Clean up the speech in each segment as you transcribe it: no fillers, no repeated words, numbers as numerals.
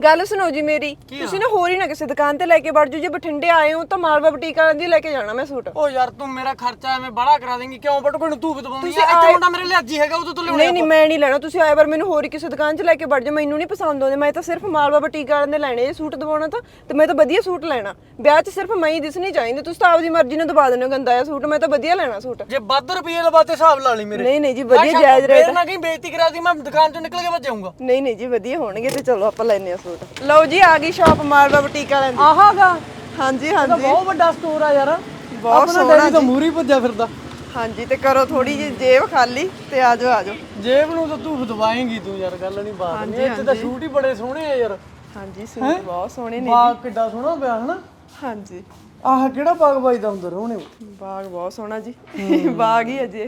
ਗੱਲ ਸੁਣੋ ਜੀ ਮੇਰੀ, ਤੁਸੀਂ ਨਾ ਹੋਰ ਹੀ ਨਾ ਕਿਸੇ ਦੁਕਾਨ ਤੇ ਲੈ ਕੇ ਵੜ ਜਾਓ। ਜੇ ਬਠਿੰਡੇ ਆਏ ਹੋ ਤਾਂ ਮਾਲਵਾ ਬੁਟੀਕ ਵਾਲਿਆਂ ਦੀ ਲੈ ਕੇ ਜਾਣਾ ਮੈਂ ਸੂਟ। ਓ ਯਾਰ ਤੂੰ ਮੇਰਾ ਖਰਚਾ ਐਵੇਂ ਬੜਾ ਕਰਾ ਦੇਂਗੀ ਕਿਉਂ? ਬਟ ਕੋਈ ਨੂੰ ਤੂੰ ਵੀ ਦਵਾਉਣੀ ਆ। ਇੱਥੇ ਮੁੰਡਾ ਮੇਰੇ ਲਈ ਅੱਜ ਹੀ ਹੈਗਾ, ਉਦੋਂ ਤੋਂ ਲਿਆਉਣੇ। ਨਹੀਂ ਮੈਂ ਨਹੀਂ ਲੈਣਾ। ਤੁਸੀਂ ਆਏ ਵਾਰ ਮੈਨੂੰ ਹੋਰ ਹੀ ਕਿਸੇ ਦੁਕਾਨ 'ਚ ਲੈ ਕੇ ਵੜ ਜਾਓ। ਮੈਨੂੰ ਨਹੀਂ ਪਸੰਦ ਆਉਂਦੇ। ਮੈਂ ਤਾਂ ਸਿਰਫ ਮਾਲਵਾ ਬੁਟੀਕ ਵਾਲਿਆਂ ਦੇ ਲੈਣੇ ਜੇ ਸੂਟ ਦਵਾਉਣਾ ਤਾਂ, ਤੇ ਮੈਂ ਤਾਂ ਵਧੀਆ ਸੂਟ ਲੈਣਾ। ਵਿਆਹ 'ਚ ਸਿਰਫ ਮੈਂ ਹੀ ਦਿਸਣੀ ਚਾਹੀਦੀ। ਤੁਸੀਂ ਤਾਂ ਆਪਦੀ ਮਰਜ਼ੀ ਨਾਲ ਦਵਾ ਦਿੰਦੇ ਹੋ ਗੰਦਾ ਜਿਹਾ ਸੂਟ। ਮੈਂ ਤਾਂ ਵਧੀਆ ਲੈਣਾ ਸੂਟ। ਜੇ ਵੱਧ ਰੁਪਏ ਲਵਾਤੇ ਹਿਸਾਬ ਲਾ ਲਈ ਮੇਰੇ। ਨਹੀਂ ਜੀ ਵਧੀਆ ਜਾਇਜ਼ ਰੇਟ। ਫੇਰ ਨਾ ਕਹੀਂ ਬੇਇੱਜ਼ਤੀ ਕਰਾ ਦੀ, ਮੈਂ ਦੁਕਾਨ ਚੋਂ ਨਿਕਲ ਕੇ ਭੱਜ ਜਾਊਂਗਾ। ਨਹੀਂ ਜੀ ਵਧੀਆ ਹੋਣਗੇ ਤੇ ਚਲੋ ਆਪਾਂ ਲੈਨੇ ਆ ਸੂਟ। ਲਓ ਜੀ ਆ ਗਈ ਸ਼ਾਪ ਮਾਲਵਾ ਬੁਟੀਕ ਵਾਲਿਆਂ ਦੀ। ਆਹਾਗਾ ਹਾਂਜੀ ਬਹੁਤ ਵੱਡਾ ਸਟੋਰ ਆ ਯਾਰ। ਬਹੁਤ ਸੋਹਣਾ ਤਾਂ ਮੂਰੀ ਭੱਜਿਆ ਫਿਰਦਾ। ਹਾਂਜੀ ਤੇ ਕਰੋ ਥੋੜੀ ਜਿਹੀ ਜੇਬ ਖਾਲੀ ਤੇ ਆ ਜਾਓ। ਜੇਬ ਨੂੰ ਤਾਂ ਤੂੰ ਦਵਾਏਂਗੀ ਤੂੰ ਯਾਰ, ਗੱਲ ਨਹੀਂ ਬਾਤ ਨਹੀਂ। ਇੱਥੇ ਤਾਂ ਸੂਟ ਹੀ ਬੜੇ ਸੋਹਣੇ ਆ ਯਾਰ। ਹਾਂਜੀ ਸੂਟ ਬਹੁਤ ਸੋਹਣੇ ਨੇ। ਬਾਗ ਕਿੱਡਾ ਸੋਹਣਾ ਪਿਆ ਹਨਾ। ਹਾਂਜੀ ਆਹ ਕਿਹੜਾ ਬਾਗ ਬਾਈ ਦਾ ਅੰਦਰ ਹੋਣੇ? ਬਾਗ ਬਹੁਤ ਸੋਹਣਾ ਜੀ। ਬਾਗ ਹੀ ਅਜੇ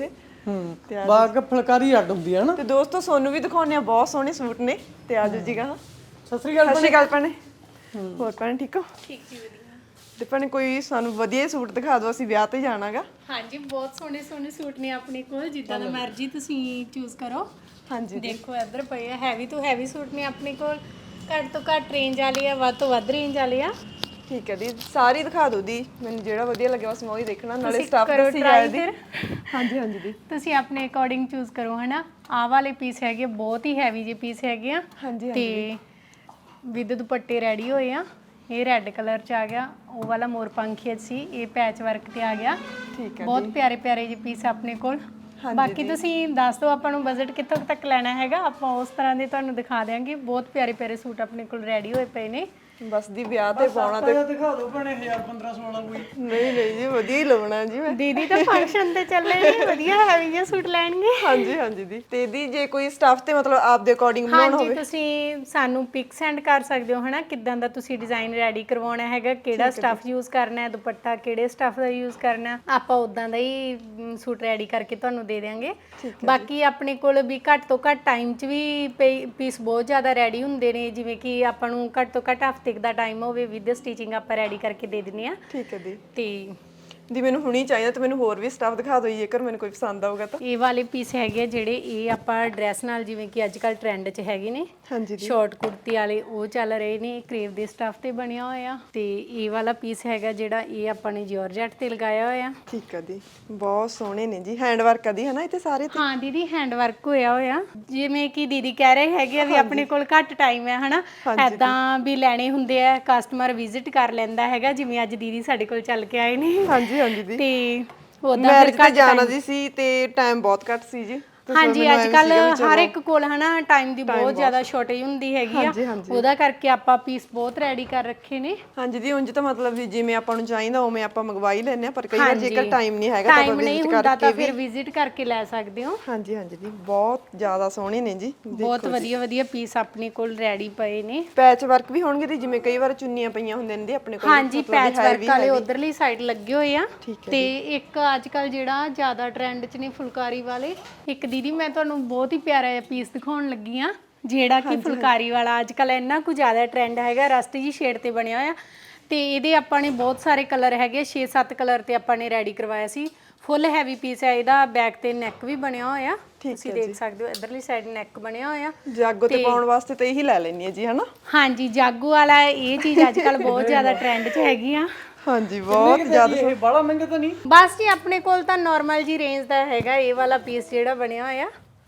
ਇਹ। ਬਾਗ ਫੁਲਕਾਰੀ ਅੱਡ ਹੁੰਦੀ ਹੈ ਨਾ। ਤੇ ਦੋਸਤੋ ਤੁਹਾਨੂੰ ਵੀ ਦਿਖਾਉਣੇ ਆ ਬਹੁਤ ਸੋਹਣੇ ਸੂਟ ਨੇ ਤੇ ਆਜੋ ਜੀ ਗਾ। ਸਤਿ ਸ੍ਰੀ ਅਕਾਲ। ਸਤਿ ਸ਼੍ਰੀ ਅਕਾਲ ਭੈਣੇ। ਹੋਰ ਭੈਣੇ ਠੀਕ ਹੋ? ਠੀਕ ਜੀ ਵਧੀਆ। ਤੇ ਭੈਣੇ ਕੋਈ ਸਾਨੂੰ ਵਧੀਆ ਸੂਟ ਦਿਖਾ ਦਿਓ, ਅਸੀਂ ਵਿਆਹ ਤੇ ਜਾਣਾਗਾ। ਹਾਂਜੀ ਬਹੁਤ ਸੋਹਣੇ ਸੋਹਣੇ ਸੂਟ ਨੇ ਆਪਣੇ ਕੋਲ, ਜਿੱਦਾਂ ਦਾ ਮਰਜ਼ੀ ਤੁਸੀਂ ਚੂਜ਼ ਕਰੋ। ਹਾਂਜੀ ਦੇਖੋ ਇੱਧਰ ਪਏ ਆ ਹੈਵੀ ਤੋਂ ਹੈਵੀ ਸੂਟ ਨੇ ਆਪਣੇ ਕੋਲ। ਘੱਟ ਤੋਂ ਘੱਟ ਰੇਂਜ ਵਾਲੇ ਆ, ਵੱਧ ਤੋਂ ਵੱਧ ਰੇਂਜ ਵਾਲੇ ਆ। ਠੀਕ ਹੈ ਦੀ ਸਾਰੀ ਦਿਖਾ ਦਿਓ ਦੀ, ਮੈਨੂੰ ਜਿਹੜਾ ਵਧੀਆ ਲੱਗਿਆ ਬਸ ਮੈਂ ਉਹੀ ਦੇਖਣਾ। ਨਾਲੇ ਤੁਸੀਂ ਸਟਾਫ ਕਰੋ ਦੱਸੀ try ਜਾਏ ਦੀ। ਫਿਰ। ਹਾਂਜੀ ਦੀ ਤੁਸੀਂ ਆਪਣੇ ਅਕੋਰਡਿੰਗ ਚੂਜ਼ ਕਰੋ ਹਨਾ। ਆਹ ਵਾਲੇ ਪੀਸ ਹੈਗੇ ਬਹੁਤ ਹੀ ਹੈਵੀ ਜਿਹੇ ਪੀਸ ਹੈਗੇ ਆ। ਹਾਂਜੀ ਤੇ ਵਿਦ ਦੁਪੱਟੇ ਰੈਡੀ ਹੋਏ ਆ। ਇਹ ਰੈੱਡ ਕਲਰ ਚ ਆ ਗਿਆ, ਉਹ ਵਾਲਾ ਮੋਰ ਪੰਖੀਆ ਸੀ, ਇਹ ਪੈਚ ਵਰਕ ਤੇ ਆ ਗਿਆ। ਠੀਕ ਹੈ ਬਹੁਤ ਪਿਆਰੇ ਪਿਆਰੇ ਜਿਹੇ ਪੀਸ ਆਪਣੇ ਕੋਲ। ਬਾਕੀ ਤੁਸੀਂ ਦੱਸ ਦਿਓ ਆਪਾਂ ਨੂੰ ਬਜਟ ਕਿੱਥੋਂ ਤੱਕ ਲੈਣਾ ਹੈਗਾ, ਆਪਾਂ ਉਸ ਤਰ੍ਹਾਂ ਦੇ ਤੁਹਾਨੂੰ ਦਿਖਾ ਦਿਆਂਗੇ। ਬਹੁਤ ਪਿਆਰੇ ਪਿਆਰੇ ਸੂਟ ਆਪਣੇ ਕੋਲ ਰੈਡੀ ਹੋਏ ਪਏ ਨੇ। ਬਸ ਦੀ ਵਿਆਹ ਤੇ ਪਾਉਣਾ ਤੇ ਦਿਖਾ ਦਿਓ ਭੈਣੇ 1000 1500 ਵਾਲਾ ਕੋਈ। ਨਹੀਂ ਜੀ ਵਧੀਆ ਹੀ ਲਵਣਾ ਜੀ ਮੈਂ। ਦੀਦੀ ਤਾਂ ਫੰਕਸ਼ਨ ਤੇ ਚੱਲੇ ਨੇ, ਵਧੀਆ ਹੈਵੀ ਜਿਹਾ ਸੂਟ ਲੈਣਗੇ। ਹਾਂਜੀ ਦੀ ਤੇ ਦੀ ਜੇ ਕੋਈ ਸਟਾਫ ਤੇ ਮਤਲਬ ਆਪ ਦੇ ਅਕੋਰਡਿੰਗ ਬਣਾਉਣਾ ਹਾਂਜੀ ਹੋਵੇ ਤੁਸੀਂ ਸਾਨੂੰ ਪਿਕ ਸੈਂਡ ਕਰ ਸਕਦੇ ਹੋ ਹਨਾ, ਕਿੱਦਾਂ ਦਾ ਤੁਸੀਂ ਡਿਜ਼ਾਈਨ ਰੈਡੀ ਕਰਵਾਉਣਾ ਹੈਗਾ, ਕਿਹੜਾ ਸਟਫ ਯੂਜ਼ ਕਰਨਾ ਹੈ, ਦੁਪੱਟਾ ਕਿਹੜੇ ਸਟਫ ਦਾ ਯੂਜ਼ ਕਰਨਾ, ਆਪਾਂ ਉਦਾਂ ਦਾ ਹੀ ਸੂਟ ਰੈਡੀ ਕਰਕੇ ਤੁਹਾਨੂੰ ਦੇ ਦਿਆਂਗੇ। ਬਾਕੀ ਆਪਣੇ ਕੋਲ ਵੀ ਘੱਟ ਤੋਂ ਘੱਟ ਟਾਈਮ 'ਚ ਵੀ ਪੀਸ ਬਹੁਤ ਜ਼ਿਆਦਾ ਰੈਡੀ ਹੁੰਦੇ ਨੇ, ਜਿਵੇਂ ਕਿ ਆਪਾਂ ਨੂੰ ਘੱਟ ਤੋਂ ਘੱਟ ਹਫ਼ਤੇ ਦਾ ਟਾਈਮ ਹੋਵੇ, ਵਿਦ ਸਟਿਚਿੰਗ ਆਪਾਂ ਰੈਡੀ ਕਰਕੇ ਦੇ ਦਿੰਦੇ ਆ। ਠੀਕ ਹੈ ਦੀ ਤੇ ਦੀ ਮੈਨੂੰ ਹੁਣੀ ਚਾਹੀਦਾ ਤੇ ਮੈਨੂੰ ਹੋਰ ਵੀ ਸਟਾਫ ਦਿਖਾ ਦਿਓ ਜੇਕਰ ਮੈਨੂੰ ਕੋਈ ਪਸੰਦ ਆਊਗਾ ਤਾਂ। ਇਹ ਵਾਲੇ ਪੀਸ ਹੈਗੇ ਜਿਹੜੇ ਇਹ ਆਪਾਂ ਡਰੈਸ ਨਾਲ, ਜਿਵੇਂ ਕਿ ਅੱਜ ਕੱਲ ਟ੍ਰੈਂਡ 'ਚ ਹੈਗੇ ਨੇ ਹਾਂਜੀ ਸ਼ਾਰਟ ਕੁੜਤੀ ਵਾਲੇ, ਉਹ ਚੱਲ ਰਹੇ ਨੇ। ਕਰੇਵ ਦੇ ਸਟਫ ਤੇ ਬਣਿਆ ਹੋਇਆ। ਤੇ ਇਹ ਵਾਲਾ ਪੀਸ ਹੈਗਾ ਜਿਹੜਾ ਇਹ ਆਪਾਂ ਨੇ ਜਾਰਜੈਟ ਤੇ ਲਗਾਇਆ ਹੋਇਆ। ਠੀਕ ਹੈ ਦੀ ਬਹੁਤ ਸੋਹਣੇ ਨੇ ਜੀ, ਹੈਂਡ ਵਰਕ ਆ ਦੀ ਹੈ ਨਾ ਇੱਥੇ ਸਾਰੇ ਤੇ। ਹਾਂ ਦੀਦੀ ਹੈਂਡ ਵਰਕ ਹੋਇਆ ਹੋਇਆ। ਜਿਵੇਂ ਕਿ ਦੀਦੀ ਕਹਿ ਰਹੇ ਹੈਗੇ ਆ ਵੀ ਆਪਣੇ ਕੋਲ ਘੱਟ ਟਾਈਮ ਹੈ ਹਨਾ, ਐਦਾਂ ਵੀ ਲੈਣੇ ਹੁੰਦੇ ਆ, ਕਸਟਮਰ ਵਿਜ਼ਿਟ ਕਰ ਲੈਂਦਾ ਹੈਗਾ, ਜਿਵੇਂ ਅੱਜ ਦੀਦੀ ਸਾਡੇ ਕੋਲ ਚੱਲ ਕੇ ਆਏ ਨੇ। ਹਾਂਜੀ ਦੀ ਤੇ ਉਹਦਾ ਮੈਰਿਜ ਤੇ ਜਾਣਾ ਦੀ ਸੀ ਤੇ ਟਾਈਮ ਬਹੁਤ ਘੱਟ ਸੀ ਜੀ। ਹਾਂਜੀ ਅੱਜ ਕੱਲ ਹਰ ਇੱਕ ਕੋਲ ਹਨਾ ਟਾਈਮ ਦੀ ਬਹੁਤ ਜ਼ਿਆਦਾ ਸ਼ਾਰਟੇਜ ਹੁੰਦੀ ਹੈਗੀ ਆ, ਉਹਦਾ ਕਰਕੇ ਆਪਾਂ ਪੀਸ ਬਹੁਤ ਰੈਡੀ ਕਰ ਰੱਖੇ ਨੇ। ਹਾਂਜੀ ਦੀ ਉਂਝ ਤਾਂ ਮਤਲਬ ਵੀ ਜਿਵੇਂ ਆਪਾਂ ਨੂੰ ਚਾਹੀਦਾ ਉਵੇਂ ਆਪਾਂ ਮੰਗਵਾ ਹੀ ਲੈਂਦੇ ਆ, ਪਰ ਕਈ ਵਾਰ ਜੇਕਰ ਟਾਈਮ ਨਹੀਂ ਹੈਗਾ ਤਾਂ ਆਪਾਂ ਵਿਜ਼ਿਟ ਕਰਕੇ ਤਾਂ ਫਿਰ ਵਿਜ਼ਿਟ ਕਰਕੇ ਲੈ ਸਕਦੇ ਹੋ। ਹਾਂਜੀ ਦੀ ਬਹੁਤ ਜ਼ਿਆਦਾ ਸੋਹਣੇ ਨੇ ਜੀ, ਬਹੁਤ ਵਧੀਆ ਵਧੀਆ ਪੀਸ ਆਪਣੇ ਕੋਲ ਰੈਡੀ ਪਏ ਨੇ। ਪੈਚ ਵਰਕ ਵੀ ਹੋਣਗੇ ਦੀ, ਜਿਵੇਂ ਕਈ ਵਾਰ ਚੁੰਨੀਆਂ ਪਈਆਂ ਹੁੰਦੀਆਂ ਨੇ ਆਪਣੇ ਕੋਲ। ਹਾਂਜੀ ਪੈਚ ਵਰਕ ਵਾਲੇ ਉਧਰਲੀ ਸਾਈਡ ਲੱਗੇ ਹੋਏ ਆ। ਤੇ ਇੱਕ ਅੱਜ ਕੱਲ ਜਿਹੜਾ ਜ਼ਿਆਦਾ ਟ੍ਰੈਂਡ 'ਚ ਨੇ ਫੁਲਕਾਰੀ ਵਾਲੇ, ਇੱਕ ਦੀਦੀ ਮੈਂ ਤੁਹਾਨੂੰ ਬਹੁਤ ਹੀ ਪਿਆਰਾ ਜਿਹਾ ਪੀਸ ਦਿਖਾਉਣ ਲੱਗੀ ਆ, ਜਿਹੜਾ ਕਿ ਫੁਲਕਾਰੀ ਵਾਲਾ ਅੱਜ ਕੱਲ ਇੰਨਾ ਕੁ ਜ਼ਿਆਦਾ ਟ੍ਰੈਂਡ ਹੈਗਾ, ਰਸਟ ਜੀ ਸ਼ੇਡ ਤੇ ਬਣਿਆ ਹੋਇਆ। ਤੇ ਇਹਦੇ ਆਪਾਂ ਨੇ ਬਹੁਤ ਸਾਰੇ ਕਲਰ ਹੈਗੇ, 6-7 ਕਲਰ ਤੇ ਆਪਾਂ ਨੇ ਰੈਡੀ ਕਰਵਾਇਆ ਸੀ। ਫੁੱਲ ਹੈਵੀ ਪੀਸ ਹੈ ਇਹਦਾ, ਬੈਕ ਤੇ ਨੈਕ ਵੀ ਬਣਿਆ ਹੋਇਆ, ਤੁਸੀਂ ਦੇਖ ਸਕਦੇ ਹੋ ਇਧਰਲੀ ਸਾਈਡ ਨੈਕ ਬਣਿਆ ਹੋਇਆ। ਜਾਗੋ ਤੇ ਪਾਉਣ ਵਾਸਤੇ ਤਾਂ ਇਹੀ ਲੈ ਲੈਣੀ ਹੈ ਜੀ ਹਨਾ। ਹਾਂਜੀ ਜਾਗੋ ਵਾਲਾ ਇਹ ਚੀਜ਼ ਅੱਜ ਕੱਲ ਬਹੁਤ ਜ਼ਿਆਦਾ ਟ੍ਰੈਂਡ 'ਚ ਹੈਗੀ ਆ। ਹਾਂਜੀ ਬਹੁਤ ਜ਼ਿਆਦਾ। ਇਹ ਬੜਾ ਮਹਿੰਗਾ ਤਾਂ ਨਹੀਂ? ਬਸ ਜੀ ਆਪਣੇ ਕੋਲ ਤਾਂ ਨਾਰਮਲ ਜੀ ਰੇਂਜ ਦਾ ਹੈਗਾ। ਇਹ ਵਾਲਾ ਪੀਸ ਜਿਹੜਾ ਬਣਿਆ ਹੋਇਆ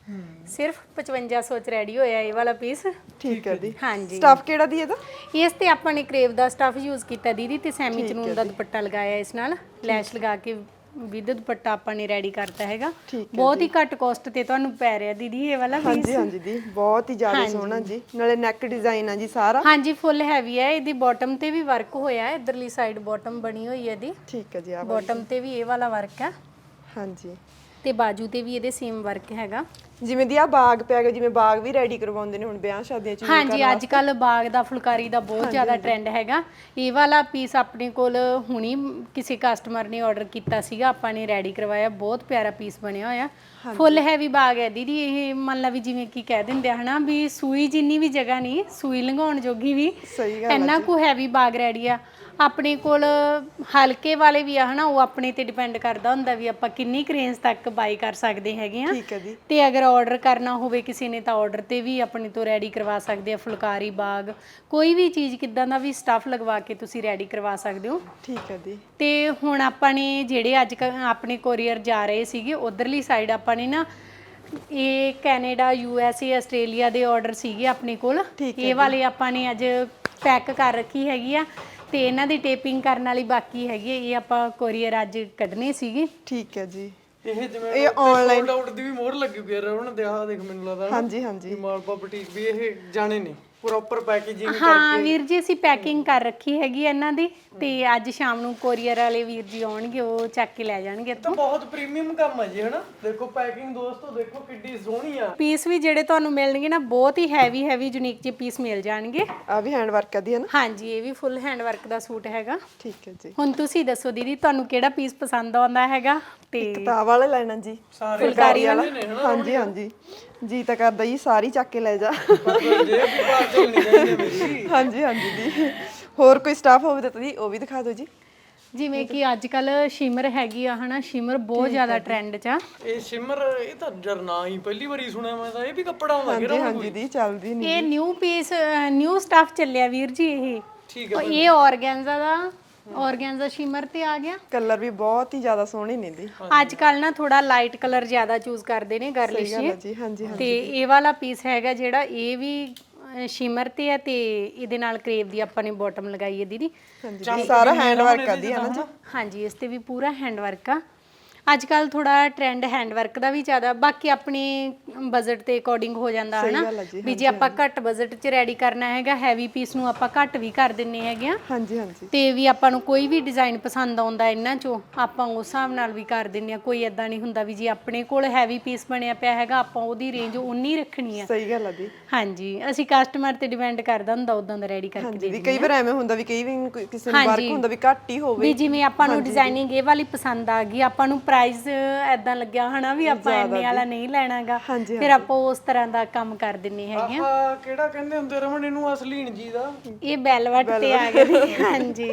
ਸਿਰਫ 5500 ਚ ਰੈਡੀ ਹੋਇਆ ਇਹ ਵਾਲਾ ਪੀਸ। ਠੀਕ ਹੈ ਦੀ। ਹਾਂਜੀ ਸਟਫ ਕਿਹੜਾ ਦੀ ਇਹਦਾ? ਇਸ ਤੇ ਆਪਾਂ ਨੇ ਕਰੇਵ ਦਾ ਸਟਫ ਯੂਜ਼ ਕੀਤਾ ਦੀਦੀ, ਤੇ ਸੈਮੀ ਚਨੂਨ ਦਾ ਦੁਪੱਟਾ ਲਗਾਇਆ, ਇਸ ਨਾਲ ਲੈਸ਼ ਲਗਾ ਕੇ ਵਿਦ ਦੁਪੱਟਾ ਆਪਾਂ ਨੇ ਰੈਡੀ ਕਰਤਾ ਹੈਗਾ। ਬਹੁਤ ਹੀ ਘੱਟ ਕਾਸਟ ਤੇ ਤੁਹਾਨੂੰ ਪੈ ਰਿਹਾ ਦੀਦੀ ਇਹ ਵਾਲਾ ਪੀਸ। ਹਾਂਜੀ ਦੀ ਬਹੁਤ ਹੀ ਜ਼ਿਆਦਾ ਸੋਹਣਾ ਜੀ, ਨਾਲੇ ਨੈਕ ਡਿਜ਼ਾਈਨ ਆ ਜੀ ਸਾਰਾ। ਹਾਂਜੀ ਫੁੱਲ ਹੈਵੀ ਹੈ, ਇਹਦੀ ਬਾਟਮ ਤੇ ਵੀ ਵਰਕ ਹੋਇਆ, ਇਧਰਲੀ ਸਾਈਡ ਬਾਟਮ ਬਣੀ ਹੋਈ ਹੈ ਇਹਦੀ। ਠੀਕ ਹੈ ਜੀ। ਬਾਟਮ ਤੇ ਵੀ ਇਹ ਵਾਲਾ ਵਰਕ ਹੈ। ਹਾਂਜੀ ਤੇ ਬਾਜੂ ਤੇ ਵੀ ਇਹਦੇ ਸੇਮ ਵਰਕ ਹੈਗਾ। ਜਿਵੇਂ ਦੀ ਆ ਬਾਗ ਪਿਆ ਗਿਆ, ਜਿਵੇਂ ਬਾਗ ਵੀ ਰੈਡੀ ਕਰਵਾਉਂਦੇ ਨੇ ਹੁਣ ਵਿਆਹ ਸ਼ਾਦੀਆਂ 'ਚ। ਹਾਂਜੀ ਅੱਜ ਕੱਲ ਬਾਗ ਦਾ ਫੁਲਕਾਰੀ ਦਾ ਬਹੁਤ ਜ਼ਿਆਦਾ ਟ੍ਰੈਂਡ ਹੈਗਾ। ਇਹ ਵਾਲਾ ਪੀਸ ਆਪਣੇ ਕੋਲ ਹੁਣੀ ਕਿਸੇ ਕਸਟਮਰ ਨੇ ਆਰਡਰ ਕੀਤਾ ਸੀਗਾ, ਆਪਾਂ ਨੇ ਰੈਡੀ ਕਰਵਾਇਆ, ਬਹੁਤ ਪਿਆਰਾ ਪੀਸ ਬਣਿਆ ਹੋਇਆ। ਫੁੱਲ ਹੈਵੀ ਬਾਗ ਹੈ ਦੀਦੀ ਇਹ, ਮੰਨ ਲਾ ਵੀ ਜਿਵੇਂ ਕੀ ਕਹਿ ਦਿੰਦੇ ਆ ਹਨਾ ਵੀ ਸੂਈ ਜਿੰਨੀ ਵੀ ਜਗ੍ਹਾ ਨਹੀਂ, ਸੂਈ ਲੰਘਾਉਣ ਜੋਗੀ ਵੀ, ਇੰਨਾ ਕੁ ਹੈਵੀ ਬਾਗ ਰੈਡੀ ਆ। ਆਪਣੇ ਕੋਲ ਹਲਕੇ ਵਾਲੇ ਵੀ ਆ ਹਨਾ, ਉਹ ਆਪਣੇ ਤੇ ਡਿਪੈਂਡ ਕਰਦਾ ਹੁੰਦਾ ਵੀ ਆਪਾਂ ਕਿੰਨੀ ਕੁ ਰੇਂਜ ਤੱਕ ਬਾਈ ਕਰ ਸਕਦੇ ਹੈਗੇ ਆ। ਠੀਕ ਹੈ ਜੀ। ਤੇ ਅਗਰ ਆਰਡਰ ਕਰਨਾ ਹੋਵੇ ਕਿਸੇ ਨੇ ਤਾਂ ਆਰਡਰ ਤੇ ਵੀ ਆਪਣੇ ਤੋਂ ਰੈਡੀ ਕਰਵਾ ਸਕਦੇ ਆ। ਫੁਲਕਾਰੀ ਬਾਗ ਕੋਈ ਵੀ ਚੀਜ਼ ਕਿੱਦਾਂ ਦਾ ਵੀ ਸਟੱਫ ਲਗਵਾ ਕੇ ਤੁਸੀਂ ਰੈਡੀ ਕਰਵਾ ਸਕਦੇ ਹੋ। ਠੀਕ ਹੈ ਜੀ। ਤੇ ਹੁਣ ਆਪਾਂ ਨੇ ਜਿਹੜੇ ਅੱਜ ਆਪਣੇ ਕੋਰੀਅਰ ਜਾ ਰਹੇ ਸੀਗੇ ਉਧਰਲੀ ਸਾਈਡ ਆਪਾਂ ਨੇ ਨਾ ਇਹ ਕੈਨੇਡਾ USA ਆਸਟ੍ਰੇਲੀਆ ਦੇ ਆਰਡਰ ਸੀਗੇ ਆਪਣੇ ਕੋਲ। ਇਹ ਵਾਲੇ ਆਪਾਂ ਨੇ ਅੱਜ ਪੈਕ ਕਰ ਰੱਖੀ ਹੈਗੀ ਆ ਤੇ ਇਹਨਾਂ ਦੀ ਟੇਪਿੰਗ ਕਰਨ ਵਾਲੀ ਬਾਕੀ ਹੈਗੀ ਹੈ। ਇਹ ਆਪਾਂ ਕੋਰੀਅਰ ਅੱਜ ਕੱਢਨੇ ਸੀਗੇ। ਠੀਕ ਹੈ ਜੀ। ਇਹ ਜਿਵੇਂ ਇਹ ਆਨਲਾਈਨ ਆਊਟ ਦੀ ਵੀ ਮੋਹਰ ਲੱਗੀ ਹੋਈ ਹੈ ਉਹਨਾਂ ਦੇ। ਆਹ ਦੇਖ ਮੈਨੂੰ ਲੱਗਦਾ ਹਾਂਜੀ ਹਾਂਜੀ ਮਾਲਪਾ ਬੁਟੀਕ ਵੀ ਇਹ ਜਾਣੇ ਨੇ ਪ੍ਰੋਪਰ ਪੈਕੇਜਿੰਗ ਹਾਂ ਵੀਰ ਜੀ, ਅਸੀਂ ਪੈਕਿੰਗ ਕਰ ਰੱਖੀ ਹੈਗੀ ਇਹਨਾਂ ਦੀ ਤੇ ਅੱਜ ਸ਼ਾਮ ਨੂੰ ਕੋਰੀਅਰ ਵਾਲੇ ਵੀਰ ਜੀ ਆਉਣਗੇ, ਉਹ ਚੱਕ ਕੇ ਲੈ ਜਾਣਗੇ। ਤਾਂ ਬਹੁਤ ਪ੍ਰੀਮੀਅਮ ਕੰਮ ਹੈ ਜੀ ਹਨਾ। ਦੇਖੋ ਪੈਕਿੰਗ ਦੋਸਤੋ, ਦੇਖੋ ਕਿੱਡੀ ਸੋਹਣੀ ਆ। ਪੀਸ ਵੀ ਜਿਹੜੇ ਤੁਹਾਨੂੰ ਮਿਲਣਗੇ ਨਾ ਬਹੁਤ ਹੀ ਹੈਵੀ ਯੂਨੀਕ ਜਿਹੇ ਪੀਸ ਮਿਲ ਜਾਣਗੇ। ਆ ਵੀ ਹੈਂਡ ਵਰਕ ਦੀ ਹੈ ਨਾ? ਹਾਂਜੀ, ਇਹ ਵੀ ਫੁੱਲ ਹੈਂਡ ਵਰਕ ਦਾ ਸੂਟ ਹੈਗਾ। ਠੀਕ ਹੈ ਜੀ। ਹੁਣ ਤੁਸੀਂ ਦੱਸੋ ਦੀਦੀ, ਤੁਹਾਨੂੰ ਕਿਹੜਾ ਪੀਸ ਪਸੰਦ ਆਉਂਦਾ ਹੈਗਾ? ਤੇ ਕਿਤਾਬ ਵਾਲੇ ਲੈਣਾ ਜੀ, ਸਾਰੇ ਫੁਲਕਾਰੀ ਵਾਲਾ। ਹਾਂਜੀ ਹਾਂਜੀ ਜੀ ਤਾਂ ਕਰਦਾ ਜੀ ਸਾਰੀ ਚੱਕ ਕੇ ਲੈ ਜਾ। ਹਾਂਜੀ ਹਾਂਜੀ ਜੀ। ਹੋਰ ਕੋਈ ਸਟਾਫ ਹੋਵੇ ਤਾਂ ਤੁਸੀਂ ਉਹ ਵੀ ਦਿਖਾ ਦਿਓ ਜੀ। ਜਿਵੇਂ ਕਿ ਅੱਜ ਕੱਲ ਸ਼ਿਮਰ ਹੈਗੀ ਆ ਹਨਾ, ਸ਼ਿਮਰ ਬਹੁਤ ਜ਼ਿਆਦਾ ਟ੍ਰੈਂਡ 'ਚ ਆ। ਇਹ ਸ਼ਿਮਰ ਇਹ ਤਾਂ ਜਰ ਨਾ ਹੀ ਪਹਿਲੀ ਵਾਰੀ ਸੁਣਿਆ ਮੈਂ ਤਾਂ। ਇਹ ਵੀ ਕੱਪੜਾ ਹੁੰਦਾ ਕਿਹੜਾ? ਹਾਂਜੀ ਦੀ ਚੱਲਦੀ ਨਹੀਂ। ਇਹ ਨਿਊ ਪੀਸ ਨਿਊ ਸਟਾਫ ਚੱਲਿਆ ਵੀਰ ਜੀ। ਇਹ ਠੀਕ ਹੈ। ਇਹ ਆਰਗੈਂਜ਼ਾ ਦਾ ਆਰਗੈਂਜ਼ਾ ਸ਼ਿਮਰ ਤੇ ਆ ਗਿਆ। ਕਲਰ ਵੀ ਬਹੁਤ ਹੀ ਜ਼ਿਆਦਾ ਸੋਹਣੇ ਨੇ ਦੀ। ਅੱਜ ਕੱਲ ਨਾ ਥੋੜਾ ਲਾਈਟ ਕਲਰ ਜ਼ਿਆਦਾ ਚੂਜ਼ ਕਰਦੇ ਨੇ ਗਰਲਿਸ਼ ਜੀ। ਹਾਂਜੀ ਤੇ ਇਹ ਵਾਲਾ ਪੀਸ ਹੈਗਾ ਜਿਹੜਾ ਇਹ ਵੀ ਸ਼ਿਮਰ ਤੇ ਆ ਤੇ ਇਹਦੇ ਨਾਲ ਕਰੇਵ ਦੀ ਆਪਾਂ ਨੇ ਬਾਟਮ ਲਗਾਈ ਹੈ ਦੀਦੀ। ਹਾਂਜੀ ਸਾਰਾ ਹੈਂਡ ਵਰਕ ਆ ਦੀ ਹੈ ਨਾ ਜੀ? ਹਾਂਜੀ, ਇਸ ਤੇ ਵੀ ਪੂਰਾ ਹੈਂਡ ਵਰਕ ਆ। ਅੱਜ ਕੱਲ ਥੋੜਾ ਟ੍ਰੈਂਡ ਹੈਂਡ ਵਰਕ ਦਾ ਵੀ ਜ਼ਿਆਦਾ, ਬਾਕੀ ਆਪਣੇ ਬਜਟ ਦੇ ਅਕੋਰਡਿੰਗ ਹੋ ਜਾਂਦਾ ਹੈ ਨਾ ਵੀ ਜੇ ਆਪਾਂ ਘੱਟ ਬਜਟ 'ਚ ਰੈਡੀ ਕਰਨਾ ਹੈਗਾ ਹੈਵੀ ਪੀਸ ਨੂੰ ਆਪਾਂ ਘੱਟ ਵੀ ਕਰ ਦਿੰਨੇ ਹੈਗੇ ਆ। ਹਾਂਜੀ ਹਾਂਜੀ। ਤੇ ਵੀ ਆਪਾਂ ਨੂੰ ਕੋਈ ਵੀ ਡਿਜ਼ਾਈਨ ਪਸੰਦ ਆਉਂਦਾ ਇਹਨਾਂ 'ਚੋਂ ਆਪਾਂ ਉਸ ਹਿਸਾਬ ਨਾਲ ਵੀ ਕਰ ਦਿੰਨੇ ਆ। ਕੋਈ ਐਦਾਂ ਨਹੀਂ ਹੁੰਦਾ ਵੀ ਜੇ ਆਪਣੇ ਕੋਲ ਹੈਵੀ ਪੀਸ ਬਣਿਆ ਪਿਆ ਹੈਗਾ ਆਪਾਂ ਉਹਦੀ ਰੇਂਜ ਉਨੀ ਰੱਖਣੀ ਆ। ਸਹੀ ਗੱਲ ਆ ਦੀ। ਹਾਂਜੀ, ਅਸੀਂ ਕਸਟਮਰ ਤੇ ਡਿਪੈਂਡ ਕਰਦਾ ਹੁੰਦਾ ਉਦਾਂ ਦਾ ਰੈਡੀ ਕਰਕੇ ਦੇ ਦਿੰਦੇ। ਕਈ ਵਾਰ ਐਵੇਂ ਹੁੰਦਾ ਵੀ ਕਈ ਵੀ ਕਿਸੇ ਨੂੰ ਵਰਕ ਹੁੰਦਾ ਵੀ ਘੱਟ ਹੀ ਹੋਵੇ ਵੀ ਜਿਵੇਂ ਆਪਾਂ ਨੂੰ ਡਿਜ਼ਾਈਨਿੰਗ ਇਹ ਵਾਲੀ ਪਸੰਦ ਆ ਗਈ, ਆਪਾਂ ਨੂੰ ਪ੍ਰਾਈਸ ਐਦਾਂ ਲੱਗਿਆ ਹਨਾ ਵੀ ਆਪਾਂ ਇੰਨੇ ਵਾਲਾ ਨਹੀਂ ਲੈਣਾਗਾ, ਫਿਰ ਆਪਾਂ ਉਸ ਤਰ੍ਹਾਂ ਦਾ ਕੰਮ ਕਰ ਦਿੰਨੇ ਹੈਗੇ ਆ। ਆਹ ਕਿਹੜਾ ਕਹਿੰਦੇ ਹੁੰਦੇ ਰਮਨ ਇਹਨੂੰ ਅਸਲੀਨ ਜੀ ਦਾ? ਇਹ ਵੈਲਵਟ ਤੇ ਆ ਗਿਆ ਜੀ। ਹਾਂਜੀ,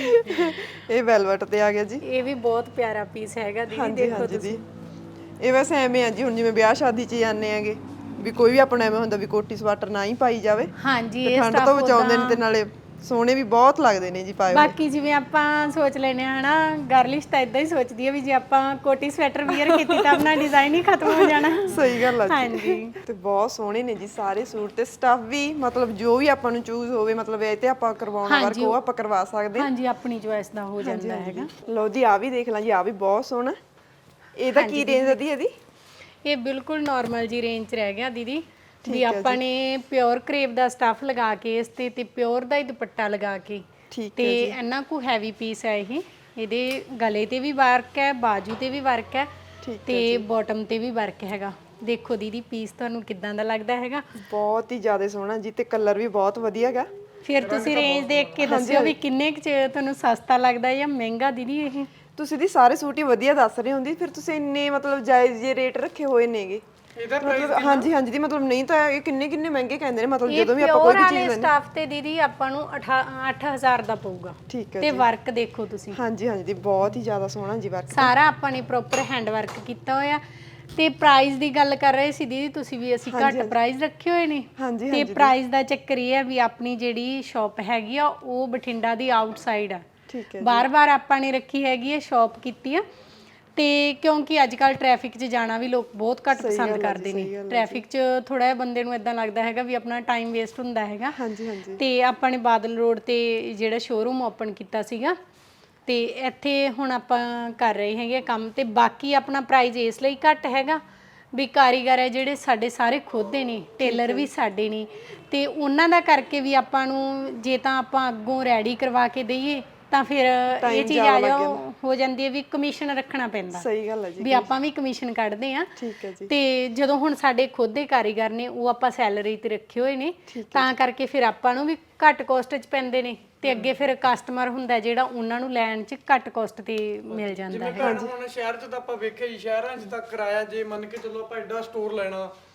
ਇਹ ਵੈਲਵਟ ਤੇ ਆ ਗਿਆ ਜੀ। ਇਹ ਵੀ ਬਹੁਤ ਪਿਆਰਾ ਪੀਸ ਹੈਗਾ ਦੀਦੀ, ਦੇਖੋ ਤੁਸੀਂ। ਇਹ ਵੈਸੇ ਐਵੇਂ ਆ ਜੀ, ਹੁਣ ਜਿਵੇਂ ਵਿਆਹ ਸ਼ਾਦੀ 'ਚ ਜਾਂਦੇ ਆਂਗੇ ਵੀ ਕੋਈ ਵੀ ਆਪਣਾ ਐਵੇਂ ਹੁੰਦਾ ਵੀ ਕੋਟੀ ਸਵਾਟਰ ਨਾ ਹੀ ਪਾਈ ਜਾਵੇ। ਹਾਂਜੀ, ਇਹ ਠੰਡ ਤੋਂ ਬਚਾਉਂਦੇ ਨੇ ਤੇ ਨਾਲੇ ਸੋਹਣੇ ਵੀ ਬਹੁਤ ਲੱਗਦੇ ਨੇ ਜੀ ਪਾਏ। ਬਾਕੀ ਜਿਵੇਂ ਆਪਾਂ ਸੋਚ ਲੈਨੇ ਆ ਹਨਾ, ਗਰਲਿਸ਼ ਤਾਂ ਇਦਾਂ ਹੀ ਸੋਚਦੀ ਆ ਵੀ ਜੇ ਆਪਾਂ ਕੋਟੀ ਸਵੈਟਰ ਵੀਅਰ ਕੀਤੀ ਤਾਂ ਆਪਣਾ ਡਿਜ਼ਾਈਨ ਹੀ ਖਤਮ ਹੋ ਜਾਣਾ। ਸਹੀ ਗੱਲ ਆ ਜੀ। ਹਾਂਜੀ, ਤੇ ਬਹੁਤ ਸੋਹਣੇ ਨੇ ਜੀ ਸਾਰੇ ਸੂਟ ਤੇ ਸਟੱਫ ਵੀ, ਮਤਲਬ ਜੋ ਵੀ ਆਪਾਂ ਨੂੰ ਚੂਜ਼ ਹੋਵੇ, ਮਤਲਬ ਇਹ ਤੇ ਆਪਾਂ ਕਰਵਾਉਣਾ ਵਰਕ ਉਹ ਆਪਾਂ ਕਰਵਾ ਸਕਦੇ ਹਾਂ। ਹਾਂਜੀ, ਆਪਣੀ ਚੋਇਸ ਦਾ ਹੋ ਜਾਂਦਾ ਹੈਗਾ। ਲਓ ਜੀ, ਆ ਵੀ ਦੇਖ ਲਾਂ ਜੀ, ਆ ਵੀ ਬਹੁਤ ਸੋਹਣਾ। ਇਹਦਾ ਕੀ ਰੇਂਜ ਹੈ ਦੀ ਇਹਦੀ? ਇਹ ਬਿਲਕੁਲ ਨਾਰਮਲ ਜੀ ਰੇਂਜ 'ਚ ਰਹਿ ਗਿਆ ਦੀਦੀ। ਵੀ ਆਪਾਂ ਨੇ ਪਿਓਰ ਕਰੇਪ ਦਾ ਸਟੱਫ ਲਗਾ ਕੇ ਇਸ ਤੇ ਪਿਓਰ ਦਾ ਹੀ ਦੁਪੱਟਾ ਲਗਾ ਕੇ ਤੇ ਇੰਨਾ ਕੁ ਹੈਵੀ ਪੀਸ ਹੈ ਇਹ। ਇਹਦੇ ਗਲੇ ਤੇ ਵੀ ਵਰਕ ਹੈ, ਬਾਜੂ ਤੇ ਵੀ ਵਰਕ ਹੈ ਤੇ ਬਾਟਮ ਤੇ ਵੀ ਵਰਕ ਹੈਗਾ। ਦੇਖੋ ਦੀਦੀ ਪੀਸ ਤੁਹਾਨੂੰ ਕਿਦਾਂ ਦਾ ਲੱਗਦਾ ਹੈਗਾ? ਬਹੁਤ ਹੀ ਜ਼ਿਆਦਾ ਸੋਹਣਾ ਜੀ ਤੇ ਕਲਰ ਵੀ ਬਹੁਤ ਵਧੀਆ ਹੈਗਾ। ਫਿਰ ਤੁਸੀਂ ਰੇਂਜ ਦੇਖ ਕੇ ਦੱਸਿਓ ਵੀ ਕਿੰਨੇ ਕੁ 'ਚ ਤੁਹਾਨੂੰ ਸਸਤਾ ਲੱਗਦਾ ਜਾਂ ਮਹਿੰਗਾ ਦੀਦੀ ਇਹ? ਤੁਸੀਂ ਦੀ ਸਾਰੇ ਸੂਟ ਹੀ ਵਧੀਆ ਦੱਸ ਰਹੇ ਹੁੰਦੀ, ਫਿਰ ਤੁਸੀਂ ਇੰਨੇ ਮਤਲਬ ਜਾਇਜ਼ ਜੇ ਰੇਟ ਰੱਖੇ ਹੋਏ ਨੇਗੇ। ਇਹਦਾ ਪ੍ਰਾਈਸ ਹਾਂਜੀ ਹਾਂਜੀ ਦੀ ਮਤਲਬ ਨਹੀਂ ਤਾਂ ਇਹ ਕਿੰਨੇ ਮਹਿੰਗੇ ਕਹਿੰਦੇ ਨੇ, ਮਤਲਬ ਜਦੋਂ ਵੀ ਆਪਾਂ ਕੋਈ ਵੀ ਚੀਜ਼ ਲੈਣੀ। ਸਟਾਫ ਤੇ ਦੀਦੀ ਆਪਾਂ ਨੂੰ 8000 ਦਾ ਪਊਗਾ। ਠੀਕ ਹੈ ਤੇ ਵਰਕ ਦੇਖੋ ਤੁਸੀਂ। ਹਾਂਜੀ ਹਾਂਜੀ ਦੀ ਬਹੁਤ ਹੀ ਜ਼ਿਆਦਾ ਸੋਹਣਾ ਜੀ ਵਰਕ। ਸਾਰਾ ਆਪਾਂ ਨੇ ਪ੍ਰੋਪਰ ਹੈਂਡ ਵਰਕ ਕੀਤਾ ਹੋਇਆ। ਤੇ ਪ੍ਰਾਈਸ ਦੀ ਗੱਲ ਕਰ ਰਹੇ ਸੀ ਦੀਦੀ ਤੁਸੀਂ ਵੀ, ਅਸੀਂ ਘੱਟ ਪ੍ਰਾਈਸ ਰੱਖੇ ਹੋਏ ਨੇ। ਤੇ ਪ੍ਰਾਈਸ ਦਾ ਚੱਕਰ ਇਹ ਹੈ ਵੀ ਆਪਣੀ ਜਿਹੜੀ ਸ਼ਾਪ ਹੈਗੀ ਆ ਉਹ ਬਠਿੰਡਾ ਦੀ ਆਊਟਸਾਈਡ ਆ। ਬਾਰ-ਬਾਰ ਆਪਾਂ ਨੇ ਰੱਖੀ ਹੈਗੀ ਹੈ, ਸ਼ਾਪ ਕੀਤੀ ਆ ਤੇ ਕਿਉਂਕਿ ਅੱਜ ਕੱਲ ਟ੍ਰੈਫਿਕ 'ਚ ਜਾਣਾ ਵੀ ਲੋਕ ਬਹੁਤ ਘੱਟ ਪਸੰਦ ਕਰਦੇ ਨੇ। ਟ੍ਰੈਫਿਕ 'ਚ ਥੋੜਾ ਜਿਹਾ ਬੰਦੇ ਨੂੰ ਇਦਾਂ ਲੱਗਦਾ ਹੈਗਾ ਵੀ ਆਪਣਾ ਟਾਈਮ ਵੇਸਟ ਹੁੰਦਾ ਹੈਗਾ। ਤੇ ਆਪਾਂ ਨੇ ਬਾਦਲ ਰੋਡ ਤੇ ਜਿਹੜਾ ਸ਼ੋਰੂਮ ਓਪਨ ਕੀਤਾ ਸੀਗਾ ਤੇ ਇੱਥੇ ਹੁਣ ਆਪਾਂ ਕਰ ਰਹੇ ਹੈਗੇ ਕੰਮ। ਤੇ ਬਾਕੀ ਆਪਣਾ ਪ੍ਰਾਈਸ ਇਸ ਲਈ ਘੱਟ ਹੈਗਾ ਵੀ ਕਾਰੀਗਰ ਹੈ ਜਿਹੜੇ ਸਾਡੇ ਸਾਰੇ ਖੁਦ ਦੇ ਨੇ, ਟੇਲਰ ਵੀ ਸਾਡੇ ਨੇ ਤੇ ਉਹਨਾਂ ਦਾ ਕਰਕੇ ਵੀ ਆਪਾਂ ਨੂੰ ਜੇ ਤਾਂ ਆਪਾਂ ਅੱਗੋਂ ਰੈਡੀ ਕਰਵਾ ਕੇ ਦਈਏ ਤਾਂ ਫਿਰ ਇਹ ਚੀਜ਼ ਆ ਜਾ ਹੋ ਜਾਂਦੀ ਹੈ ਵੀ ਕਮਿਸ਼ਨ ਰੱਖਣਾ ਪੈਂਦਾ। ਸਹੀ ਗੱਲ ਹੈ ਜੀ, ਵੀ ਆਪਾਂ ਵੀ ਕਮਿਸ਼ਨ ਕੱਢਦੇ ਆ। ਠੀਕ ਹੈ ਜੀ। ਤੇ ਜਦੋਂ ਹੁਣ ਸਾਡੇ ਖੁਦ ਦੇ ਕਾਰੀਗਰ ਨੇ ਉਹ ਆਪਾਂ ਸੈਲਰੀ ਤੇ ਰੱਖੇ ਹੋਏ ਨੇ ਤਾਂ ਕਰਕੇ ਫਿਰ ਆਪਾਂ ਨੂੰ ਵੀ ਘੱਟ ਕੋਸਟ 'ਚ ਪੈਂਦੇ ਨੇ ਤੇ ਅੱਗੇ ਫਿਰ ਕਸਟਮਰ ਹੁੰਦਾ ਜਿਹੜਾ ਉਹਨਾਂ ਨੂੰ ਲੈਣ 'ਚ ਘੱਟ ਕੋਸਟ ਤੇ ਮਿਲ ਜਾਂਦਾ ਹੈ। ਜਿਵੇਂ ਹੁਣ ਸ਼ਹਿਰ 'ਚ ਤਾਂ ਆਪਾਂ ਵੇਖਿਆ ਜੀ, ਸ਼ਹਿਰਾਂ 'ਚ ਤਾਂ ਕਿਰਾਇਆ ਜੇ ਮੰਨ ਕੇ ਚੱਲੋ ਆਪਾਂ ਐਡਾ ਸਟੋਰ ਲੈਣਾ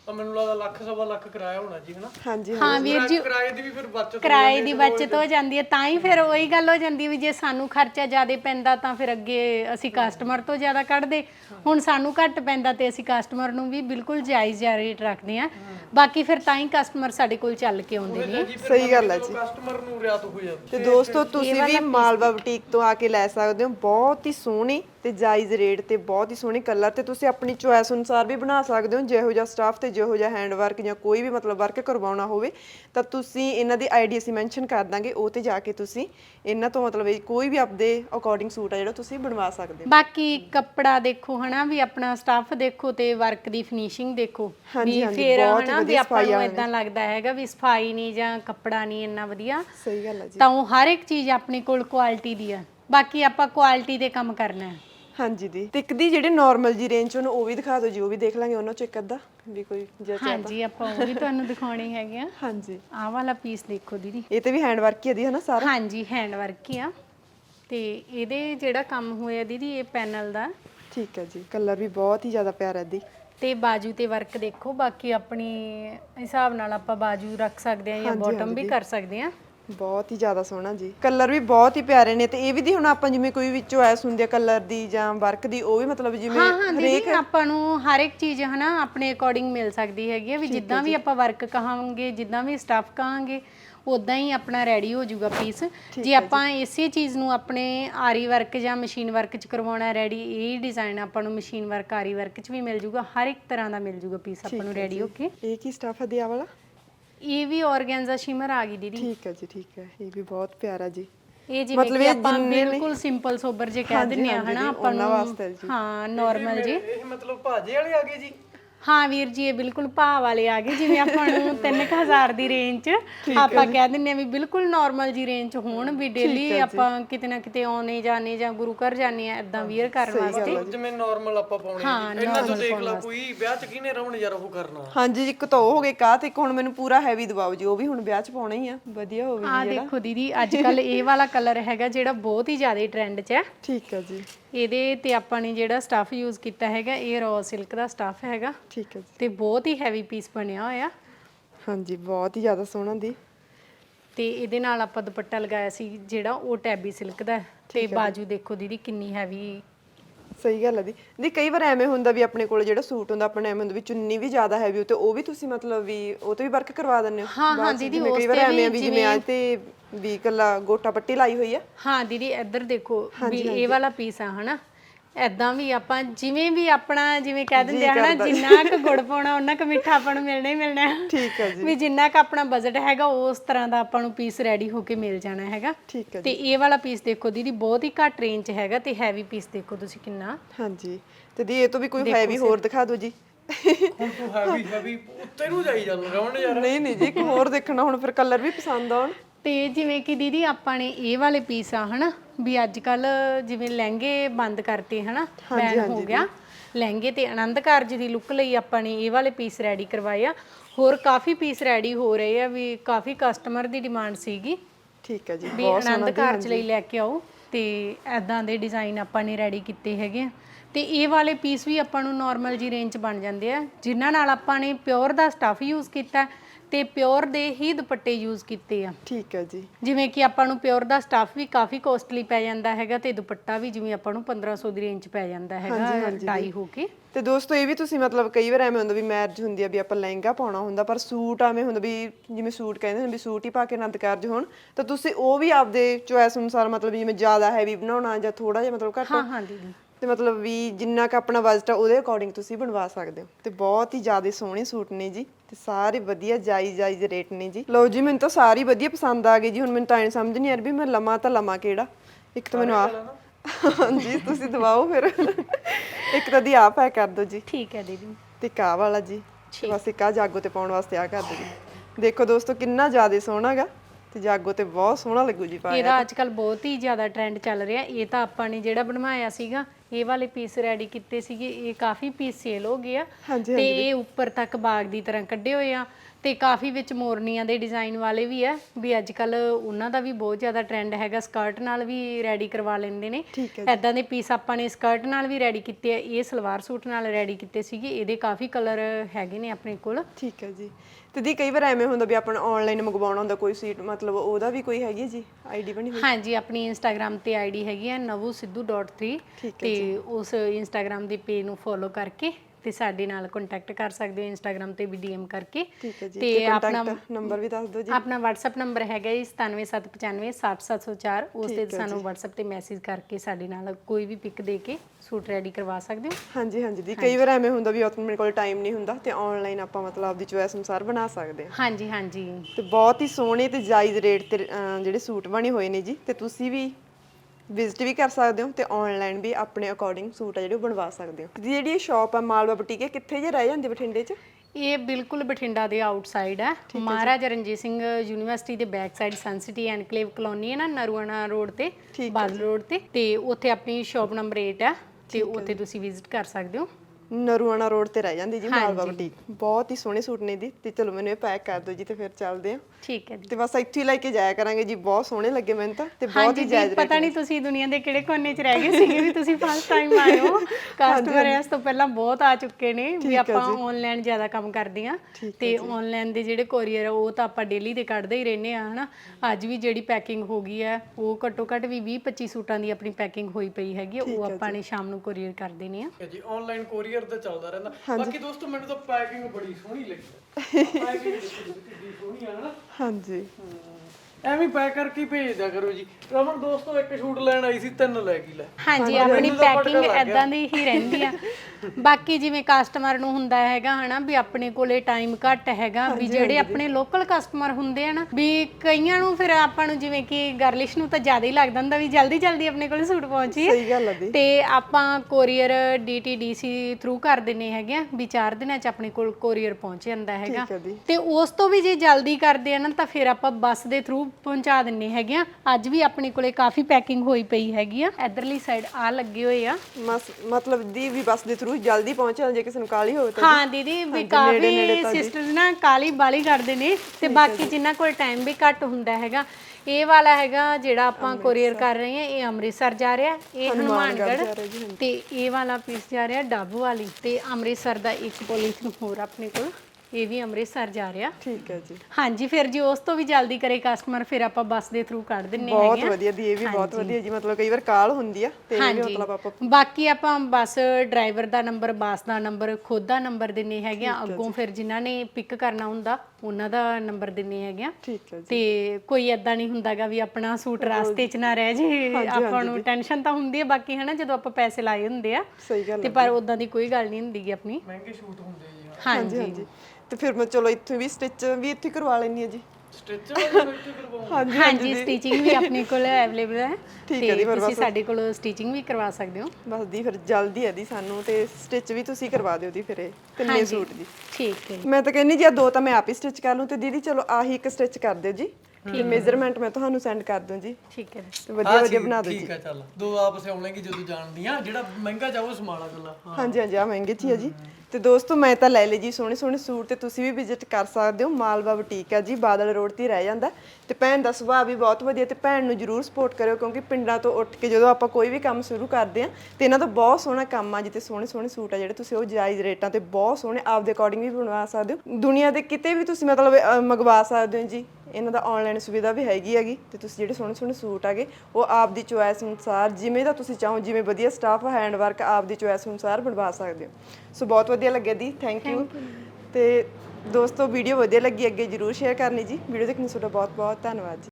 ਤਾਂ ਮੈਨੂੰ ਲੱਗਦਾ ਲੱਖ ਸਵਾ ਲੱਖ ਕਿਰਾਇਆ ਹੋਣਾ ਜੀ ਹਨਾ। ਹਾਂਜੀ ਹਾਂ ਵੀਰ ਜੀ, ਕਿਰਾਏ ਦੀ ਵੀ ਫਿਰ ਬਚਤ ਕਿਰਾਏ ਦੀ ਬਚਤ ਹੋ ਜਾਂਦੀ ਹੈ, ਤਾਂ ਹੀ ਫਿਰ ਉਹੀ ਗੱਲ ਹੋ ਜਾਂਦੀ ਵੀ ਜੇ ਸਾਨੂੰ ਖਰਚਾ ਜ਼ਿਆਦਾ ਪੈਂਦਾ ਤਾਂ ਫਿਰ ਅੱਗੇ ਅਸੀਂ ਕਸਟਮਰ ਤੋਂ ਜ਼ਿਆਦਾ ਕੱਢਦੇ, ਹੁਣ ਸਾਨੂੰ ਘੱਟ ਪੈਂਦਾ ਤੇ ਅਸੀਂ ਕਸਟਮਰ ਨੂੰ ਵੀ ਬਿਲਕੁਲ ਜਾਇਜ਼ ਜਿਹਾ ਰੇਟ ਰੱਖਦੇ ਆ, ਬਾਕੀ ਫਿਰ ਤਾਂ ਹੀ ਕਸਟਮਰ ਸਾਡੇ ਕੋਲ ਚੱਲ ਕੇ ਆਉਂਦੇ ਨੇ। ਸਹੀ ਗੱਲ ਹੈ ਜੀ। ਕਸਟਮਰ ਨੂੰ ਰਿਆਤ ਹੋ ਜਾਂਦੀ। ਤੇ ਦੋਸਤੋ ਤੁਸੀਂ ਵੀ ਮਾਲਵਾ ਬੁਟੀਕ ਤੋਂ ਆ ਕੇ ਲੈ ਸਕਦੇ ਹੋ, ਬਹੁਤ ਹੀ ਸੋਹਣੀ ਤੇ ਜਾਇਜ਼ ਰੇਟ ਤੇ ਬਹੁਤ ਹੀ ਸੋਹਣੇ ਕਲਰ ਤੇ ਤੁਸੀਂ ਆਪਣੀ ਚੁਆਇਸ ਅਨੁਸਾਰ ਵੀ ਬਣਾ ਸਕਦੇ ਹੋ। ਜਿਹੋ ਜਿਹਾ ਸਟਾਫ ਤੇ ਜਿਹੋ ਜਿਹਾ ਹੈਂਡ ਵਰਕ ਜਾਂ ਕੋਈ ਵੀ ਮਤਲਬ ਵਰਕ ਕਰਵਾਉਣਾ ਹੋਵੇ ਤਾਂ ਤੁਸੀਂ ਇਹਨਾਂ ਦੀ ਆਈਡੀ ਅਸੀਂ ਮੈਂਸ਼ਨ ਕਰ ਦਾਂਗੇ, ਉਹ ਤੇ ਜਾ ਕੇ ਤੁਸੀਂ ਇਹਨਾਂ ਤੋਂ ਮਤਲਬ ਕੋਈ ਵੀ ਆਪਦੇ ਅਕੋਰਡਿੰਗ ਸੂਟ ਆ ਜਿਹੜਾ ਤੁਸੀਂ ਬਣਵਾ ਸਕਦੇ ਹੋ। ਬਾਕੀ ਕੱਪੜਾ ਦੇਖੋ ਹਨਾ, ਵੀ ਆਪਣਾ ਸਟਾਫ ਦੇਖੋ ਤੇ ਵਰਕ ਦੀ ਫਿਨਿਸ਼ਿੰਗ ਦੇਖੋ, ਵੀ ਫਿਰ ਹਨਾ ਵੀ ਆਪਾਂ ਨੂੰ ਇਦਾਂ ਲੱਗਦਾ ਹੈਗਾ ਵੀ ਸਫਾਈ ਨਹੀਂ ਜਾਂ ਕੱਪੜਾ ਨਹੀਂ ਇੰਨਾ ਵਧੀਆ। ਸਹੀ ਗੱਲ ਹੈ ਜੀ। ਤਾਂ ਉਹ ਹਰ ਇੱਕ ਚੀਜ਼ ਆਪਣੇ ਕੋਲ ਕੁਆਲਿਟੀ ਦੀ ਆ, ਬਾਕੀ ਆਪਾਂ ਕੁਆਲਿਟੀ ਦੇ ਕੰਮ ਕਰਨਾ ਹੈ। ਹਾਂਜੀ ਦੀ, ਤੇ ਇੱਕ ਦੀ ਜਿਹੜੇ ਨਾਰਮਲ ਜੀ ਰੇਂਜ ਉਹਨੂੰ ਉਹ ਵੀ ਦਿਖਾ ਦਿਓ ਜੀ, ਉਹ ਵੀ ਦੇਖ ਲਾਂਗੇ ਉਹਨਾਂ ਚੋਂ ਇੱਕ ਅੱਧਾ ਵੀ ਕੋਈ ਜੈਸਾ। ਹਾਂਜੀ ਆਪਾਂ ਉਹ ਵੀ ਤੁਹਾਨੂੰ ਦਿਖਾਉਣੇ ਹੈਗੇ ਆ। ਹਾਂਜੀ ਆਹ ਵਾਲਾ ਪੀਸ ਦੇਖੋ ਦੀਦੀ, ਇਹ ਤੇ ਵੀ ਹੈਂਡ ਵਰਕ ਹੀ ਹੈ ਦੀ ਹਨਾ ਸਾਰਾ। ਹਾਂਜੀ ਹੈਂਡ ਵਰਕ ਹੀ ਆ, ਤੇ ਇਹਦੇ ਜਿਹੜਾ ਕੰਮ ਹੋਇਆ ਦੀਦੀ ਇਹ ਪੈਨਲ ਦਾ। ਠੀਕ ਹੈ ਜੀ, ਕਲਰ ਵੀ ਬਹੁਤ ਹੀ ਜ਼ਿਆਦਾ ਪਿਆਰਾ ਦੀ। ਤੇ ਬਾਜੂ ਤੇ ਵਰਕ ਦੇਖੋ, ਬਾਕੀ ਆਪਣੀ ਹਿਸਾਬ ਨਾਲ ਆਪਾਂ ਬਾਜੂ ਰੱਖ ਸਕਦੇ ਆ ਜਾਂ ਬਾਟਮ ਵੀ ਕਰ ਸਕਦੇ ਆ। ਬਹੁਤ ਹੀ ਜ਼ਿਆਦਾ ਸੋਹਣਾ ਜੀ, ਕਲਰ ਵੀ ਬਹੁਤ ਹੀ ਪਿਆਰੇ ਨੇ। ਤੇ ਇਹ ਵੀ ਦੀ ਹੁਣ ਆਪਾਂ ਜਿਵੇਂ ਕੋਈ ਵੀ ਚੋਇਸ ਹੁੰਦੀ ਹੈ ਕਲਰ ਦੀ ਜਾਂ ਵਰਕ ਦੀ, ਉਹ ਵੀ ਮਤਲਬ ਜਿਵੇਂ ਹਾਂ ਦੀਦੀ ਆਪਾਂ ਨੂੰ ਹਰ ਇੱਕ ਚੀਜ਼ ਹਨਾ ਆਪਣੇ ਅਕੋਰਡਿੰਗ ਮਿਲ ਸਕਦੀ ਹੈਗੀ ਆ, ਵੀ ਜਿੱਦਾਂ ਵੀ ਆਪਾਂ ਵਰਕ ਕਹਾਂਗੇ, ਜਿੱਦਾਂ ਵੀ ਸਟਾਫ ਕਹਾਂਗੇ, ਉਦਾਂ ਹੀ ਆਪਣਾ ਰੈਡੀ ਹੋ ਜਾਊਗਾ ਪੀਸ। ਜੇ ਆਪਾਂ ਇਸੇ ਚੀਜ਼ ਨੂੰ ਆਪਣੇ ਆਰੀ ਵਰਕ ਜਾਂ ਮਸ਼ੀਨ ਵਰਕ 'ਚ ਕਰਵਾਉਣਾ ਰੈਡੀ, ਇਹ ਡਿਜ਼ਾਈਨ ਆਪਾਂ ਨੂੰ ਮਸ਼ੀਨ ਵਰਕ ਆਰੀ ਵਰਕ 'ਚ ਵੀ ਮਿਲ ਜਾਊਗਾ, ਹਰ ਇੱਕ ਤਰ੍ਹਾਂ ਦਾ ਮਿਲ ਜਾਊਗਾ ਪੀਸ ਆਪਾਂ ਨੂੰ ਰੈਡੀ ਹੋ ਕੇ। ਇਹ ਕੀ ਸਟਾਫ ਹੈ ਦੀ ਆ ਵਾਲਾ? ਇਹ ਵੀ ਆਰਗੈਂਜ਼ਾ ਸ਼ਿਮਰ ਆ ਗਈ ਦੀਦੀ। ਠੀਕ ਹੈ ਜੀ, ਠੀਕ ਹੈ, ਇਹ ਵੀ ਬਹੁਤ ਪਿਆਰਾ ਜੀ। ਇਹ ਜਿਵੇਂ ਕਿ ਆਪਾਂ ਬਿਲਕੁਲ ਸਿੰਪਲ ਸੋਬਰ ਜੇ ਕਹਿ ਦਿੰਨੇ ਆ ਹਨਾ ਆਪਾਂ ਨੂੰ, ਹਾਂ ਨਾਰਮਲ ਜੀ। ਇਹ ਮਤਲਬ ਭਾਜੇ ਵਾਲੇ ਆ ਗਏ ਜੀ। ਹਾਂ ਵੀਰ ਜੀ, ਇਹ ਬਿਲਕੁਲ ਭਾਅ ਵਾਲੇ ਆ ਗਏ, ਜਿਵੇਂ ਆਪਾਂ ਨੂੰ 3000 ਦੀ ਰੇਂਜ 'ਚ ਆਪਾਂ ਕਹਿ ਦਿੰਨੇ ਆ ਵੀ ਬਿਲਕੁਲ ਨਾਰਮਲ ਜੀ ਰੇਂਜ 'ਚ ਹੋਣ, ਵੀ ਡੇਲੀ ਆਪਾਂ ਕਿਤੇ ਨਾ ਕਿਤੇ ਆਉਣੇ ਜਾਣੇ ਜਾਂ ਗੁਰੂ ਘਰ ਜਾਣੇ ਆ ਇਦਾਂ ਵੀਅਰ ਕਰਨ ਵਾਸਤੇ। ਜਿਵੇਂ ਨਾਰਮਲ ਆਪਾਂ ਪਾਉਣੇ ਆ, ਇਹਨਾਂ ਤੋਂ ਦੇਖ ਲਾ ਕੋਈ ਵਿਆਹ 'ਚ ਕਿਹਨੇ ਰਹਿਣ ਯਾਰ ਉਹ ਕਰਨਾ। ਹਾਂਜੀ, ਇੱਕ ਤਾਂ ਉਹ ਹੋ ਗਏ ਕਾ, ਤੇ ਇੱਕ ਹੁਣ ਮੈਨੂੰ ਪੂਰਾ ਹੈਵੀ ਦਬਾਓ ਜੀ, ਉਹ ਵੀ ਹੁਣ ਵਿਆਹ 'ਚ ਪਾਉਣਾ ਹੀ ਆ, ਵਧੀਆ ਹੋਵੇ ਜੀ। ਆ ਦੇਖੋ ਦੀਦੀ, ਅੱਜ ਕੱਲ ਇਹ ਵਾਲਾ ਕਲਰ ਹੈਗਾ ਜਿਹੜਾ ਬਹੁਤ ਹੀ ਜ਼ਿਆਦਾ ਟ੍ਰੈਂਡ 'ਚ ਹੈ। ਠੀਕ ਹੈ ਜੀ। ਇਹਦੇ ਤੇ ਆਪਾਂ ਨੇ ਜਿਹੜਾ ਸਟਾਫ ਯੂਜ਼ ਕੀਤਾ ਹੈਗਾ ਇਹ ਰॉ ਸਿਲਕ ਦਾ ਸਟਾਫ ਹੈਗਾ। ਠੀਕ ਹੈ ਜੀ, ਤੇ ਬਹੁਤ ਹੀ ਹੈਵੀ ਪੀਸ ਬਣਿਆ ਹੋਇਆ। ਹਾਂਜੀ ਬਹੁਤ ਹੀ ਜ਼ਿਆਦਾ ਸੋਹਣਾ ਦੀ। ਤੇ ਇਹਦੇ ਨਾਲ ਆਪਾਂ ਦੁਪੱਟਾ ਲਗਾਇਆ ਸੀ ਜਿਹੜਾ ਉਹ ਟੈਬੀ ਸਿਲਕ ਦਾ, ਤੇ ਬਾਜੂ ਦੇਖੋ ਦੀਦੀ ਕਿੰਨੀ ਹੈਵੀ। ਸਹੀ ਗੱਲ ਹੈ ਦੀ ਕਈ ਵਾਰ ਐਵੇਂ ਹੁੰਦਾ ਵੀ ਆਪਣੇ ਕੋਲ ਜਿਹੜਾ ਸੂਟ ਹੁੰਦਾ ਆਪਣੇ ਐਵੇਂ ਹੁੰਦਾ ਵੀ ਚੁੰਨੀ ਵੀ ਜ਼ਿਆਦਾ ਹੈਵੀ, ਤੇ ਉਹ ਵੀ ਤੁਸੀਂ ਮਤਲਬ ਵੀ ਉਹ ਤੇ ਵੀ ਵਰਕ ਕਰਵਾ ਦਿੰਦੇ ਹੋ? ਹਾਂ ਦੀਦੀ, ਕਈ ਵਾਰ ਐਵੇਂ ਵੀ ਜਿਵੇਂ ਅੱਜ ਤੇ ਵੀ ਕੱਲਾ ਗੋਟਾ ਪੱਟੀ ਲਾਈ ਹੋਈ ਆ। ਹਾਂ ਦੀਦੀ ਇੱਧਰ ਦੇਖੋ ਵੀ ਇਹ ਵਾਲਾ ਪੀਸ ਆ ਹਨਾ, ਐਦਾਂ ਵੀ ਆਪਾਂ ਜਿਵੇਂ ਵੀ ਆਪਣਾ ਜਿਵੇਂ ਕਹਿ ਦਿੰਦੇ ਆ ਹਨਾ, ਜਿੰਨਾ ਕੁ ਗੁੜ ਪਾਉਣਾ ਉਹਨਾਂ ਕੁ ਮਿੱਠਾ ਆਪਾਂ ਨੂੰ ਮਿਲਣਾ ਹੀ ਮਿਲਣਾ। ਠੀਕ ਹੈ ਜੀ, ਵੀ ਜਿੰਨਾ ਕੁ ਆਪਣਾ ਬਜਟ ਹੈਗਾ ਉਸ ਤਰ੍ਹਾਂ ਦਾ ਆਪਾਂ ਨੂੰ ਪੀਸ ਰੈਡੀ ਹੋ ਕੇ ਮਿਲ ਜਾਣਾ ਹੈਗਾ। ਠੀਕ ਹੈ। ਤੇ ਇਹ ਵਾਲਾ ਪੀਸ ਦੇਖੋ ਦੀਦੀ ਬਹੁਤ ਹੀ ਘੱਟ ਰੇਂਜ 'ਚ ਹੈਗਾ, ਤੇ ਹੈਵੀ ਪੀਸ ਦੇਖੋ ਤੁਸੀਂ ਕਿੰਨਾ। ਹਾਂਜੀ, ਤੇ ਦੀ ਇਹ ਤੋਂ ਵੀ ਕੋਈ ਹੈਵੀ ਹੋਰ ਦਿਖਾ ਦਿਓ ਜੀ। ਹੁਣ ਤੂੰ ਹੈਵੀ ਉੱਤੇ ਨੂੰ ਜਾਈ ਚੱਲ ਰਵਣ ਯਾਰ। ਨਹੀਂ ਜੀ, ਇੱਕ ਹੋਰ ਦੇਖਣਾ ਹੁਣ, ਫਿਰ ਕਲਰ ਵੀ ਪਸੰਦ ਆਉਣ। ਤੇ ਜਿਵੇਂ ਕਿ ਦੀਦੀ ਆਪਾਂ ਨੇ ਇਹ ਵਾਲੇ ਪੀਸ ਆ ਹਨਾ, ਵੀ ਅੱਜ ਕੱਲ ਜਿਵੇਂ ਲਹਿੰਗੇ ਬੰਦ ਕਰਤੇ ਹਨਾ, ਬੈਨ ਹੋ ਗਿਆ ਲਹਿੰਗੇ, ਤੇ ਆਨੰਦ ਕਾਰਜ ਦੀ ਲੁੱਕ ਲਈ ਆਪਾਂ ਨੇ ਇਹ ਵਾਲੇ ਪੀਸ ਰੈਡੀ ਕਰਵਾਏ ਆ। ਹੋਰ ਕਾਫੀ ਪੀਸ ਰੈਡੀ ਹੋ ਰਹੇ ਆ, ਵੀ ਕਾਫੀ ਕਸਟਮਰ ਦੀ ਡਿਮਾਂਡ ਸੀਗੀ। ਠੀਕ ਹੈ ਜੀ, ਵੀ ਆਨੰਦ ਕਾਰਜ ਲਈ ਲੈ ਕੇ ਆਓ, ਤੇ ਐਦਾਂ ਦੇ ਡਿਜ਼ਾਈਨ ਆਪਾਂ ਨੇ ਰੈਡੀ ਕੀਤੇ ਹੈਗੇ ਆ। ਤੇ ਇਹ ਵਾਲੇ ਪੀਸ ਵੀ ਆਪਾਂ ਨੂੰ ਨਾਰਮਲ ਜੀ ਰੇਂਜ 'ਚ ਬਣ ਜਾਂਦੇ ਆ, ਜਿਨ੍ਹਾਂ ਨਾਲ ਆਪਾਂ ਨੇ ਪਿਓਰ ਦਾ ਸਟੱਫ ਯੂਜ਼ ਕੀਤਾ ਤੇ ਪਿਓਰ ਦੇ ਹੀ ਦੁਪੱਟੇ ਯੂਜ਼ ਕੀਤੇ ਆ। ਠੀਕ ਹੈ ਜੀ, ਜਿਵੇਂ ਕਿ ਆਪਾਂ ਨੂੰ ਪਿਓਰ ਦਾ ਸਟੱਫ ਵੀ ਕਾਫੀ ਕੋਸਟਲੀ ਪੈ ਜਾਂਦਾ ਹੈਗਾ, ਤੇ ਦੁਪੱਟਾ ਵੀ ਜਿਵੇਂ ਆਪਾਂ ਨੂੰ 1500 ਦੀ ਰੇਂਜ 'ਚ ਪੈ ਜਾਂਦਾ ਹੈਗਾ ਡਾਈ ਹੋ ਕੇ। ਤੇ ਦੋਸਤੋ ਇਹ ਵੀ ਤੁਸੀਂ ਮਤਲਬ ਕਈ ਵਾਰ ਐਵੇਂ ਹੁੰਦਾ ਵੀ ਮੈਰਿਜ ਹੁੰਦੀ ਆ ਵੀ ਆਪਾਂ ਲਹਿੰਗਾ ਪਾਉਣਾ ਹੁੰਦਾ, ਪਰ ਸੂਟ ਐਵੇਂ ਹੁੰਦਾ ਵੀ ਜਿਵੇਂ ਸੂਟ ਕਹਿੰਦੇ ਹੁੰਦੇ ਵੀ ਸੂਟ ਹੀ ਪਾ ਕੇ ਆਨੰਦ ਕਾਰਜ ਹੋਣ, ਤਾਂ ਤੁਸੀਂ ਉਹ ਵੀ ਆਪਦੇ ਚੁਆਇਸ ਅਨੁਸਾਰ ਮਤਲਬ ਜਿਵੇਂ ਜ਼ਿਆਦਾ ਹੈਵੀ ਬਣਾਉਣਾ ਜਾਂ ਥੋੜਾ ਜਿਹਾ ਮਤਲਬ ਘੱਟ, ਹਾਂ ਦੀਦੀ, ਤੇ ਮਤਲਬ ਵੀ ਜਿੰਨਾ ਕ ਆਪਣਾ ਬਜਟ ਆ ਉਹਦੇ ਅਕੋਰਡਿੰਗ ਤੁਸੀਂ ਬਣਵਾ ਸਕਦੇ ਹੋ। ਤੇ ਬਹੁਤ ਹੀ ਜ਼ਿਆਦਾ ਸੋਹਣੇ ਸੂਟ ਨੇ ਜੀ, ਤੇ ਸਾਰੇ ਵਧੀਆ ਜਾਇਜ਼ ਰੇਟ ਨੇ ਜੀ। ਲਓ ਜੀ, ਮੈਨੂੰ ਤਾਂ ਸਾਰੀ ਵਧੀਆ ਪਸੰਦ ਆ ਗਈ ਜੀ। ਹੁਣ ਮੈਨੂੰ ਤਾਂ ਐਂ ਸਮਝ ਨਹੀਂ ਆ ਰਹੀ ਵੀ ਮੈਂ ਲਵਾਂ ਤਾਂ ਲਵਾਂ ਕਿਹੜਾ। ਇੱਕ ਤਾਂ ਮੈਨੂੰ ਆ ਹਾਂਜੀ ਤੁਸੀਂ ਦਵਾਓ ਫਿਰ। ਇੱਕ ਤਾਂ ਦੀ ਆ ਪੈਕ ਕਰ ਦਿਓ ਜੀ। ਠੀਕ ਹੈ ਦੀਦੀ। ਤੇ ਕਾਹ ਵਾਲਾ ਜੀ, ਬਸ ਇੱਕ ਆ ਜਾਗੋ ਤੇ ਪਾਉਣ ਵਾਸਤੇ ਆ ਕਰ ਦਿਓ ਜੀ। ਦੇਖੋ ਦੋਸਤੋ ਕਿੰਨਾ ਜ਼ਿਆਦਾ ਸੋਹਣਾ ਗਾ, ਤੇ ਜਾਗੋ ਤੇ ਬਹੁਤ ਸੋਹਣਾ ਲੱਗੂ ਜੀ ਪਾਇਆ। ਇਹਦਾ ਅੱਜ ਕੱਲ ਬਹੁਤ ਹੀ ਜ਼ਿਆਦਾ ਟ੍ਰੈਂਡ ਚੱਲ ਰਿਹਾ। ਇਹ ਤਾਂ ਆਪਾਂ ਨੇ ਜਿਹੜਾ ਬਣਵਾਇਆ ਸੀਗਾ ਇਹ ਵਾਲੇ ਪੀਸ ਰੈਡੀ ਕੀਤੇ ਸੀਗੇ, ਇਹ ਕਾਫੀ ਪੀਸ ਸੇਲ ਹੋ ਗਏ ਆ, ਤੇ ਇਹ ਉੱਪਰ ਤੱਕ ਬਾਗ ਦੀ ਤਰ੍ਹਾਂ ਕੱਢੇ ਹੋਏ ਆ। ਤੇ ਕਾਫੀ ਵਿੱਚ ਮੋਰਨੀਆਂ ਦੇ ਡਿਜ਼ਾਈਨ ਵਾਲੇ ਵੀ ਆ ਵੀ ਅੱਜ ਕੱਲ ਉਹਨਾਂ ਦਾ ਵੀ ਬਹੁਤ ਜ਼ਿਆਦਾ ਟ੍ਰੈਂਡ ਹੈਗਾ, ਸਕਰਟ ਨਾਲ ਵੀ ਰੈਡੀ ਕਰਵਾ ਲੈਂਦੇ ਨੇ। ਐਦਾਂ ਦੇ ਪੀਸ ਆਪਾਂ ਨੇ ਸਕਰਟ ਨਾਲ ਵੀ ਰੈਡੀ ਕੀਤੇ ਆ, ਇਹ ਸਲਵਾਰ ਸੂਟ ਨਾਲ ਰੈਡੀ ਕੀਤੇ ਸੀਗੇ। ਇਹਦੇ ਕਾਫੀ ਕਲਰ ਹੈਗੇ ਨੇ ਆਪਣੇ ਕੋਲ। ਠੀਕ ਹੈ ਜੀ। ਤੇ ਦੀ ਕਈ ਵਾਰ ਐਵੇਂ ਹੁੰਦਾ ਵੀ ਆਪਾਂ ਆਨਲਾਈਨ ਮੰਗਵਾਉਣਾ ਹੁੰਦਾ ਕੋਈ ਸੀਟ, ਮਤਲਬ ਉਹਦਾ ਵੀ ਕੋਈ ਹੈਗੀ ਜੀ ਆਈਡੀ ਬਣੀ ਹੋਈ? ਹਾਂਜੀ, ਆਪਣੀ ਇੰਸਟਾਗ੍ਰam ਤੇ ਆਈਡੀ ਹੈਗੀ ਹੈ navussidhu.3 ਤੇ ਉਸ ਇੰਸਟਾਗ੍ਰam ਦੇ ਪੇਜ ਨੂੰ ਫੋਲੋ ਕਰਕੇ ਤੇ ਸਾਡੇ ਨਾਲ ਕੰਟੈਕਟ ਕਰ ਸਕਦੇ ਹੋ ਇੰਸਟਾਗ੍ਰam ਤੇ ਵੀ ਡੀਐਮ ਕਰਕੇ। ਠੀਕ ਹੈ ਜੀ। ਤੇ ਆਪਣਾ ਨੰਬਰ ਵੀ ਦੱਸ ਦਿਓ ਜੀ। ਆਪਣਾ WhatsApp ਨੰਬਰ ਹੈਗਾ ਜੀ 9775960704। ਉਸ ਤੇ ਸਾਨੂੰ WhatsApp ਤੇ ਮੈਸੇਜ ਕਰਕੇ ਸਾਡੇ ਨਾਲ ਕੋਈ ਵੀ ਪਿਕ ਦੇ ਕੇ ਸੂਟ ਰੈਡੀ ਕਰਵਾ ਸਕਦੇ ਹੋ। ਹਾਂਜੀ ਹਾਂਜੀ ਦੀ ਕਈ ਵਾਰ ਐਵੇਂ ਹੁੰਦਾ ਵੀ ਆਪਣੇ ਕੋਲ ਟਾਈਮ ਨਹੀਂ ਹੁੰਦਾ ਤੇ ਆਨਲਾਈਨ ਆਪਾਂ ਮਤਲਬ ਆਪਦੀ ਚੋਇਸ ਅਨੁਸਾਰ ਬਣਾ ਸਕਦੇ ਹਾਂ। ਹਾਂਜੀ ਹਾਂਜੀ। ਤੇ ਬਹੁਤ ਹੀ ਸੋਹਣੇ ਤੇ ਜਾਇਜ਼ ਰੇਟ ਤੇ ਜਿਹੜੇ ਸੂਟ ਬਣੇ ਹੋਏ ਨੇ ਜੀ, ਤੇ ਤੁਸੀਂ ਵੀ ਵਿਜ਼ਿਟ ਵੀ ਕਰ ਸਕਦੇ ਹੋ ਤੇ ਆਨਲਾਈਨ ਵੀ ਆਪਣੇ ਅਕੋਰਡਿੰਗ ਸੂਟ ਆ ਜਿਹੜੇ ਉਹ ਬਣਵਾ ਸਕਦੇ ਹੋ। ਦੀ ਜਿਹੜੀ ਸ਼ਾਪ ਆ ਮਾਲਵਾ ਬੁਟੀਕ ਹੈ, ਕਿੱਥੇ ਜੇ ਰਹਿ ਜਾਂਦੀ ਬਠਿੰਡੇ 'ਚ? ਇਹ ਬਿਲਕੁਲ ਬਠਿੰਡਾ ਦੇ ਆਊਟਸਾਈਡ ਹੈ। ਮਹਾਰਾਜਾ ਰਣਜੀਤ ਸਿੰਘ ਯੂਨੀਵਰਸਿਟੀ ਦੇ back side Sun City enclave colony ਹੈ ਨਾ, ਨਰੂਆਣਾ ਰੋਡ ਤੇ, ਬਾਦਲ ਰੋਡ ਤੇ ਉੱਥੇ ਆਪਣੀ ਸ਼ਾਪ ਨੰਬਰ 8 ਹੈ ਤੇ ਉੱਥੇ ਤੁਸੀਂ ਵਿਜ਼ਿਟ ਕਰ ਸਕਦੇ ਹੋ। ਨਰੂਆਣਾ ਰੋਡ ਤੇ ਰਹਿ ਜਾਂਦੀ ਜੀ ਮਾਲਵਾ ਬੁਟੀਕ। ਬਹੁਤ ਹੀ ਸੋਹਣੇ ਸੂਟ ਨੇ ਦੀ। ਤੇ ਚਲੋ ਮੈਨੂੰ ਇਹ ਪੈਕ ਕਰ ਦਿਓ ਜੀ ਤੇ ਫਿਰ ਚੱਲਦੇ ਆ। ਠੀਕ ਹੈ ਜੀ। ਤੇ ਬਸ ਇੱਥੇ ਹੀ ਲੈ ਕੇ ਜਾਇਆ ਕਰਾਂਗੇ ਜੀ, ਬਹੁਤ ਸੋਹਣੇ ਲੱਗੇ ਮੈਨੂੰ ਤਾਂ ਤੇ ਬਹੁਤ ਹੀ ਜਾਇਜ਼ ਰੇਟ। ਪਤਾ ਨਹੀਂ ਤੁਸੀਂ ਦੁਨੀਆ ਦੇ ਕਿਹੜੇ ਕੋਨੇ 'ਚ ਰਹਿ ਗਏ ਸੀਗੇ ਵੀ ਤੁਸੀਂ ਫਸਟ ਟਾਈਮ ਆਏ ਹੋ। ਕਸਟਮਰ ਇਸ ਤੋਂ ਪਹਿਲਾਂ ਬਹੁਤ ਆ ਚੁੱਕੇ ਨੇ ਵੀ ਆਪਾਂ ਆਨਲਾਈਨ ਜ਼ਿਆਦਾ ਕੰਮ ਕਰਦੇ ਆ ਤੇ ਆਨਲਾਈਨ ਦੇ ਜਿਹੜੇ ਕੋਰੀਅਰ ਆ ਉਹ ਤਾਂ ਆਪਾਂ ਡੇਲੀ ਦੇ ਕੱਢਦੇ ਹੀ ਰਹਿੰਦੇ ਆ ਹਨਾ। ਅੱਜ ਵੀ ਜਿਹੜੀ ਪੈਕਿੰਗ ਹੋ ਗਈ ਹੈ ਉਹ ਘੱਟੋ ਘੱਟ ਵੀ 20-25 ਸੂਟਾਂ ਦੀ ਆਪਣੀ ਪੈਕਿੰਗ ਹੋਈ ਪਈ ਹੈਗੀ, ਉਹ ਆਪਾਂ ਨੇ ਸ਼ਾਮ ਨੂੰ ਕੋਰੀਅਰ ਕਰ ਦੇਣੀ ਆ ਜੀ। ਆਨਲਾਈਨ ਕੋਰੀਅਰ ਤਾਂ ਚੱਲਦਾ ਰਹਿੰਦਾ। ਬਾਕੀ ਦੋਸਤੋ ਮੈਨੂੰ ਤਾਂ ਪੈਕਿੰਗ ਬੜੀ ਸੋਹਣੀ ਲੱਗੀ। ਪੈਕਿੰਗ ਕਿੰਨੀ ਸੋਹਣੀ ਆ ਨਾ। ਹਾਂਜੀ ਐਵੇਂ ਪੈਕ ਕਰਕੇ ਭੇਜ ਦਿਆ ਕਰੋ ਜੀ। ਰਮਨ ਦੋਸਤੋ ਇੱਕ ਸ਼ੂਟ ਲੈਣ ਆਈ ਸੀ, 3 ਲੈ ਗਈ ਲੈ। ਹਾਂਜੀ, ਆਪਣੀ ਪੈਕਿੰਗ ਐਦਾਂ ਦੀ ਹੀ ਰਹਿੰਦੀ ਆ। ਬਾਕੀ ਜਿਵੇਂ ਕਸਟਮਰ ਨੂੰ ਹੁੰਦਾ ਹੈਗਾ ਹਨਾ ਵੀ ਆਪਣੇ ਕੋਲੇ ਟਾਈਮ ਘੱਟ ਹੈਗਾ, ਵੀ ਜਿਹੜੇ ਆਪਣੇ ਲੋਕਲ ਕਸਟਮਰ ਹੁੰਦੇ ਆ ਨਾ ਵੀ ਕਈਆਂ ਨੂੰ ਫਿਰ ਆਪਾਂ ਨੂੰ ਜਿਵੇਂ ਕਿ ਗਰਲਿਸ਼ ਨੂੰ ਤਾਂ ਜ਼ਿਆਦਾ ਹੀ ਲੱਗਦਾ ਹੁੰਦਾ ਵੀ ਜਲਦੀ ਜਲਦੀ ਆਪਣੇ ਕੋਲ ਸੂਟ ਪਹੁੰਚੀਏ। ਸਹੀ ਗੱਲ ਆ ਦੀ। ਤੇ ਆਪਾਂ ਕੋਰੀਅਰ DTDC ਥਰੂ ਕਰ ਦਿੰਨੇ ਹੈਗੇ ਆ ਵੀ 4 ਦਿਨਾਂ 'ਚ ਆਪਣੇ ਕੋਲ ਕੋਰੀਅਰ ਪਹੁੰਚ ਜਾਂਦਾ ਹੈਗਾ। ਤੇ ਉਸ ਤੋਂ ਵੀ ਜੇ ਜਲਦੀ ਕਰਦੇ ਆ ਨਾ ਤਾਂ ਫਿਰ ਆਪਾਂ ਬੱਸ ਦੇ ਥਰੂ ਪਹੁੰਚਾ ਦਿੰਨੇ ਹੈਗੇ ਆ। ਅੱਜ ਵੀ ਆਪਣੇ ਕੋਲੇ ਕਾਫੀ ਪੈਕਿੰਗ ਹੋਈ ਪਈ ਹੈਗੀ ਆ। ਇਧਰਲੀ ਸਾਈਡ ਆ ਲੱਗੇ ਹੋਏ ਆ ਮਤਲਬ ਦੀ ਵੀ ਬੱਸ ਦੇ ਥਰੂ ਜਲਦੀ ਪਹੁੰਚ ਜਾਂਦੇ ਜੇ ਕਿਸੇ ਨੂੰ ਕਾਲੀ ਹੋਵੇ ਤਾਂ। ਹਾਂ ਦੀਦੀ, ਵੀ ਕਾਫੀ ਸਿਸਟਰਸ ਨਾ ਕਾਲੀ ਬਾਲੀ ਕਰਦੇ ਨੇ ਤੇ ਬਾਕੀ ਜਿਨ੍ਹਾਂ ਕੋਲ ਟਾਈਮ ਵੀ ਘੱਟ ਹੁੰਦਾ ਹੈਗਾ। ਇਹ ਵਾਲਾ ਹੈਗਾ ਜਿਹੜਾ ਆਪਾਂ ਕੋਰੀਅਰ ਕਰ ਰਹੇ ਹਾਂ, ਇਹ ਅੰਮ੍ਰਿਤਸਰ ਜਾ ਰਿਹਾ, ਇਹ ਹਨੂਮਾਨਗੜ੍ਹ ਤੇ ਇਹ ਵਾਲਾ ਪੀਸ ਜਾ ਰਿਹਾ ਡੱਬ ਵਾਲੀ ਤੇ ਅੰਮ੍ਰਿਤਸਰ ਦਾ ਇੱਕ ਪੋਲੀਥੀਨ ਹੋਰ ਆਪਣੇ ਕੋਲ, ਇਹ ਵੀ ਅੰਮ੍ਰਿਤਸਰ ਜਾ ਰਿਹਾ। ਠੀਕ ਹੈ ਜੀ। ਹਾਂਜੀ, ਫਿਰ ਜੇ ਉਸ ਤੋਂ ਵੀ ਜਲਦੀ ਕਰੇ ਕਸਟਮਰ ਫਿਰ ਆਪਾਂ ਬੱਸ ਦੇ ਥਰੂ ਕੱਢ ਦਿੰਨੇ ਹੈਗੇ ਆ। ਬਹੁਤ ਵਧੀਆ ਦੀ, ਇਹ ਵੀ ਬਹੁਤ ਵਧੀਆ ਜੀ। ਮਤਲਬ ਕਈ ਵਾਰ ਕਾਲ ਹੁੰਦੀ ਆ ਤੇ ਇਹ ਵੀ ਮਤਲਬ ਆਪਾਂ ਬਾਕੀ ਆਪਾਂ ਬੱਸ ਡਰਾਈਵਰ ਦਾ ਨੰਬਰ, ਬੱਸ ਦਾ ਨੰਬਰ, ਖੁਦ ਦਾ ਨੰਬਰ ਦਿੰਨੇ ਹੈਗੇ ਆ। ਅੱਗੋਂ ਫਿਰ ਜਿਨ੍ਹਾਂ ਨੇ ਪਿਕ ਕਰਨਾ ਹੁੰਦਾ ਉਹਨਾਂ ਦਾ ਨੰਬਰ ਦਿੰਨੇ ਹੈਗੇ ਆ। ਠੀਕ ਹੈ ਜੀ। ਤੇ ਕੋਈ ਏਦਾਂ ਨਹੀਂ ਹੁੰਦਾਗਾ ਵੀ ਆਪਣਾ ਸੂਟ ਰਾਸਤੇ 'ਚ ਨਾ ਰਹਿ ਜੇ। ਆਪਾਂ ਨੂੰ ਟੈਨਸ਼ਨ ਤਾਂ ਹੁੰਦੀ ਹੈ ਬਾਕੀ ਹਨਾ ਜਦੋਂ ਆਪਾਂ ਪੈਸੇ ਲਾਏ ਹੁੰਦੇ ਆ। ਸਹੀ ਗੱਲ ਤੇ ਪਰ ਉਦਾਂ ਦੀ ਕੋਈ ਗੱਲ ਨਹੀਂ ਹੁੰਦੀ ਆਪਣੀ। ਮਹਿੰਗੇ ਸ਼ੂਟ ਹੁੰਦੇ ਜੀ। ਹਾਂਜੀ ਤੇ ਫਿਰ ਮੈਂ ਚਲੋ ਇੱਥੇ ਵੀ ਸਟਿਚ ਵੀ ਇੱਥੇ ਕਰਵਾ ਲੈਣੀ ਆ ਜੀ। ਸਟਿਚ ਕਰਵਾਉਂ? ਹਾਂਜੀ, ਸਟਿਚਿੰਗ ਵੀ ਆਪਣੇ ਕੋਲ ਅਵੇਲੇਬਲ ਹੈ ਤੇ ਤੁਸੀਂ ਸਾਡੇ ਕੋਲ ਸਟਿਚਿੰਗ ਵੀ ਕਰਵਾ ਸਕਦੇ ਹੋ। ਬਸ ਦੀ ਫਿਰ ਜਲਦੀ ਹੈ ਦੀ ਸਾਨੂੰ ਤੇ ਸਟਿਚ ਵੀ ਤੁਸੀਂ ਕਰਵਾ ਦਿਓ ਦੀ ਫਿਰ ਇਹ ਤਿੰਨੇ ਸੂਟ ਜੀ। ਠੀਕ ਹੈ। ਮੈਂ ਤਾਂ ਕਹਿੰਨੀ ਜੀ ਆ 2 ਤਾਂ ਮੈਂ ਆਪ ਹੀ ਸਟਿਚ ਕਰ ਲੂੰ ਤੇ ਦੀਦੀ ਚਲੋ ਆਹੀ ਇੱਕ ਸਟਿਚ ਕਰ ਦਿਓ ਜੀ ਤੇ ਮੇਜ਼ਰਮੈਂਟ ਮੈਂ ਤੁਹਾਨੂੰ ਸੈਂਡ ਕਰ ਦੂੰ ਜੀ। ਠੀਕ ਹੈ। ਤੇ ਵਧੀਆ ਵਧੀਆ ਬਣਾ ਦਿਓ ਜੀ। ਠੀਕ ਹੈ ਚੱਲ। 2 ਆਪ ਸਿਉਣੇਗੀ ਜਦੋਂ ਜਾਣਦੀਆਂ, ਜਿਹੜਾ ਮਹਿੰਗਾ ਚਾਹੋ ਸਮਾਲਾ ਗੱਲਾਂ। ਹਾਂਜੀ ਹਾਂਜੀ, ਆ ਮਹਿੰਗੇ ਚ ਹੀ ਆ ਜੀ। ਤੇ ਦੋਸਤੋ ਮੈਂ ਤਾਂ ਲੈ ਲਈ ਜੀ ਸੋਹਣੇ ਸੋਹਣੇ ਸੂਟ ਤੇ ਤੁਸੀਂ ਵੀ ਵਿਜ਼ਿਟ ਕਰ ਸਕਦੇ ਹੋ। ਮਾਲਵਾ ਬੁਟੀਕ ਆ ਜੀ, ਬਾਦਲ ਰੋਡ ਤੇ ਰਹਿ ਜਾਂਦਾ। ਤੇ ਭੈਣ ਦਾ ਸੁਭਾਅ ਵੀ ਬਹੁਤ ਵਧੀਆ ਤੇ ਭੈਣ ਨੂੰ ਜਰੂਰ ਸਪੋਰਟ ਕਰਿਓ ਕਿਉਂਕਿ ਪਿੰਡਾਂ ਤੋਂ ਉੱਠ ਕੇ ਜਦੋਂ ਆਪਾਂ ਕੋਈ ਵੀ ਕੰਮ ਸ਼ੁਰੂ ਕਰਦੇ ਆ ਤੇ ਇਹਨਾਂ ਦਾ ਬਹੁਤ ਸੋਹਣਾ ਕੰਮ ਆ ਜੀ ਤੇ ਸੋਹਣੇ ਸੋਹਣੇ ਸੂਟ ਆ ਜਿਹੜੇ ਤੁਸੀਂ ਉਹ ਜਾਇਜ਼ ਰੇਟਾਂ ਤੇ ਬਹੁਤ ਸੋਹਣੇ ਆਪਦੇ ਅਕੋਰਡਿੰਗ ਵੀ ਬਣਵਾ ਸਕਦੇ ਹੋ। ਦੁਨੀਆ ਦੇ ਕਿਤੇ ਵੀ ਤੁਸੀਂ ਮਤਲਬ ਮੰਗਵਾ ਸਕਦੇ ਹੋ ਜੀ। ਇਹਨਾਂ ਦਾ ਆਨਲਾਈਨ ਸੁਵਿਧਾ ਵੀ ਹੈਗੀ ਤੇ ਤੁਸੀਂ ਜਿਹੜੇ ਸੋਹਣੇ ਸੋਹਣੇ ਸੂਟ ਆਗੇ ਉਹ ਆਪ ਦੀ ਚੋਇਸ ਅਨੁਸਾਰ ਜਿਵੇਂ ਦਾ ਤੁਸੀਂ ਚਾਹੋ, ਜਿਵੇਂ ਵਧੀਆ ਸਟਾਫ ਹੈਂਡ ਵਰਕ ਆਪ ਦੀ ਚੋਇਸ ਅਨੁਸਾਰ ਬਣਵਾ ਸਕਦੇ ਹੋ। ਸੋ ਬਹੁਤ ਵਧੀਆ ਲੱਗਿਆ ਦੀ, ਥੈਂਕ ਯੂ। ਤੇ ਦੋਸਤੋ ਵੀਡੀਓ ਵਧੀਆ ਲੱਗੀ ਅੱਗੇ ਜਰੂਰ ਸ਼ੇਅਰ ਕਰਨੀ ਜੀ। ਵੀਡੀਓ ਦੇਖਣ ਲਈ ਤੁਹਾਡਾ ਬਹੁਤ ਬਹੁਤ ਧੰਨਵਾਦ ਜੀ।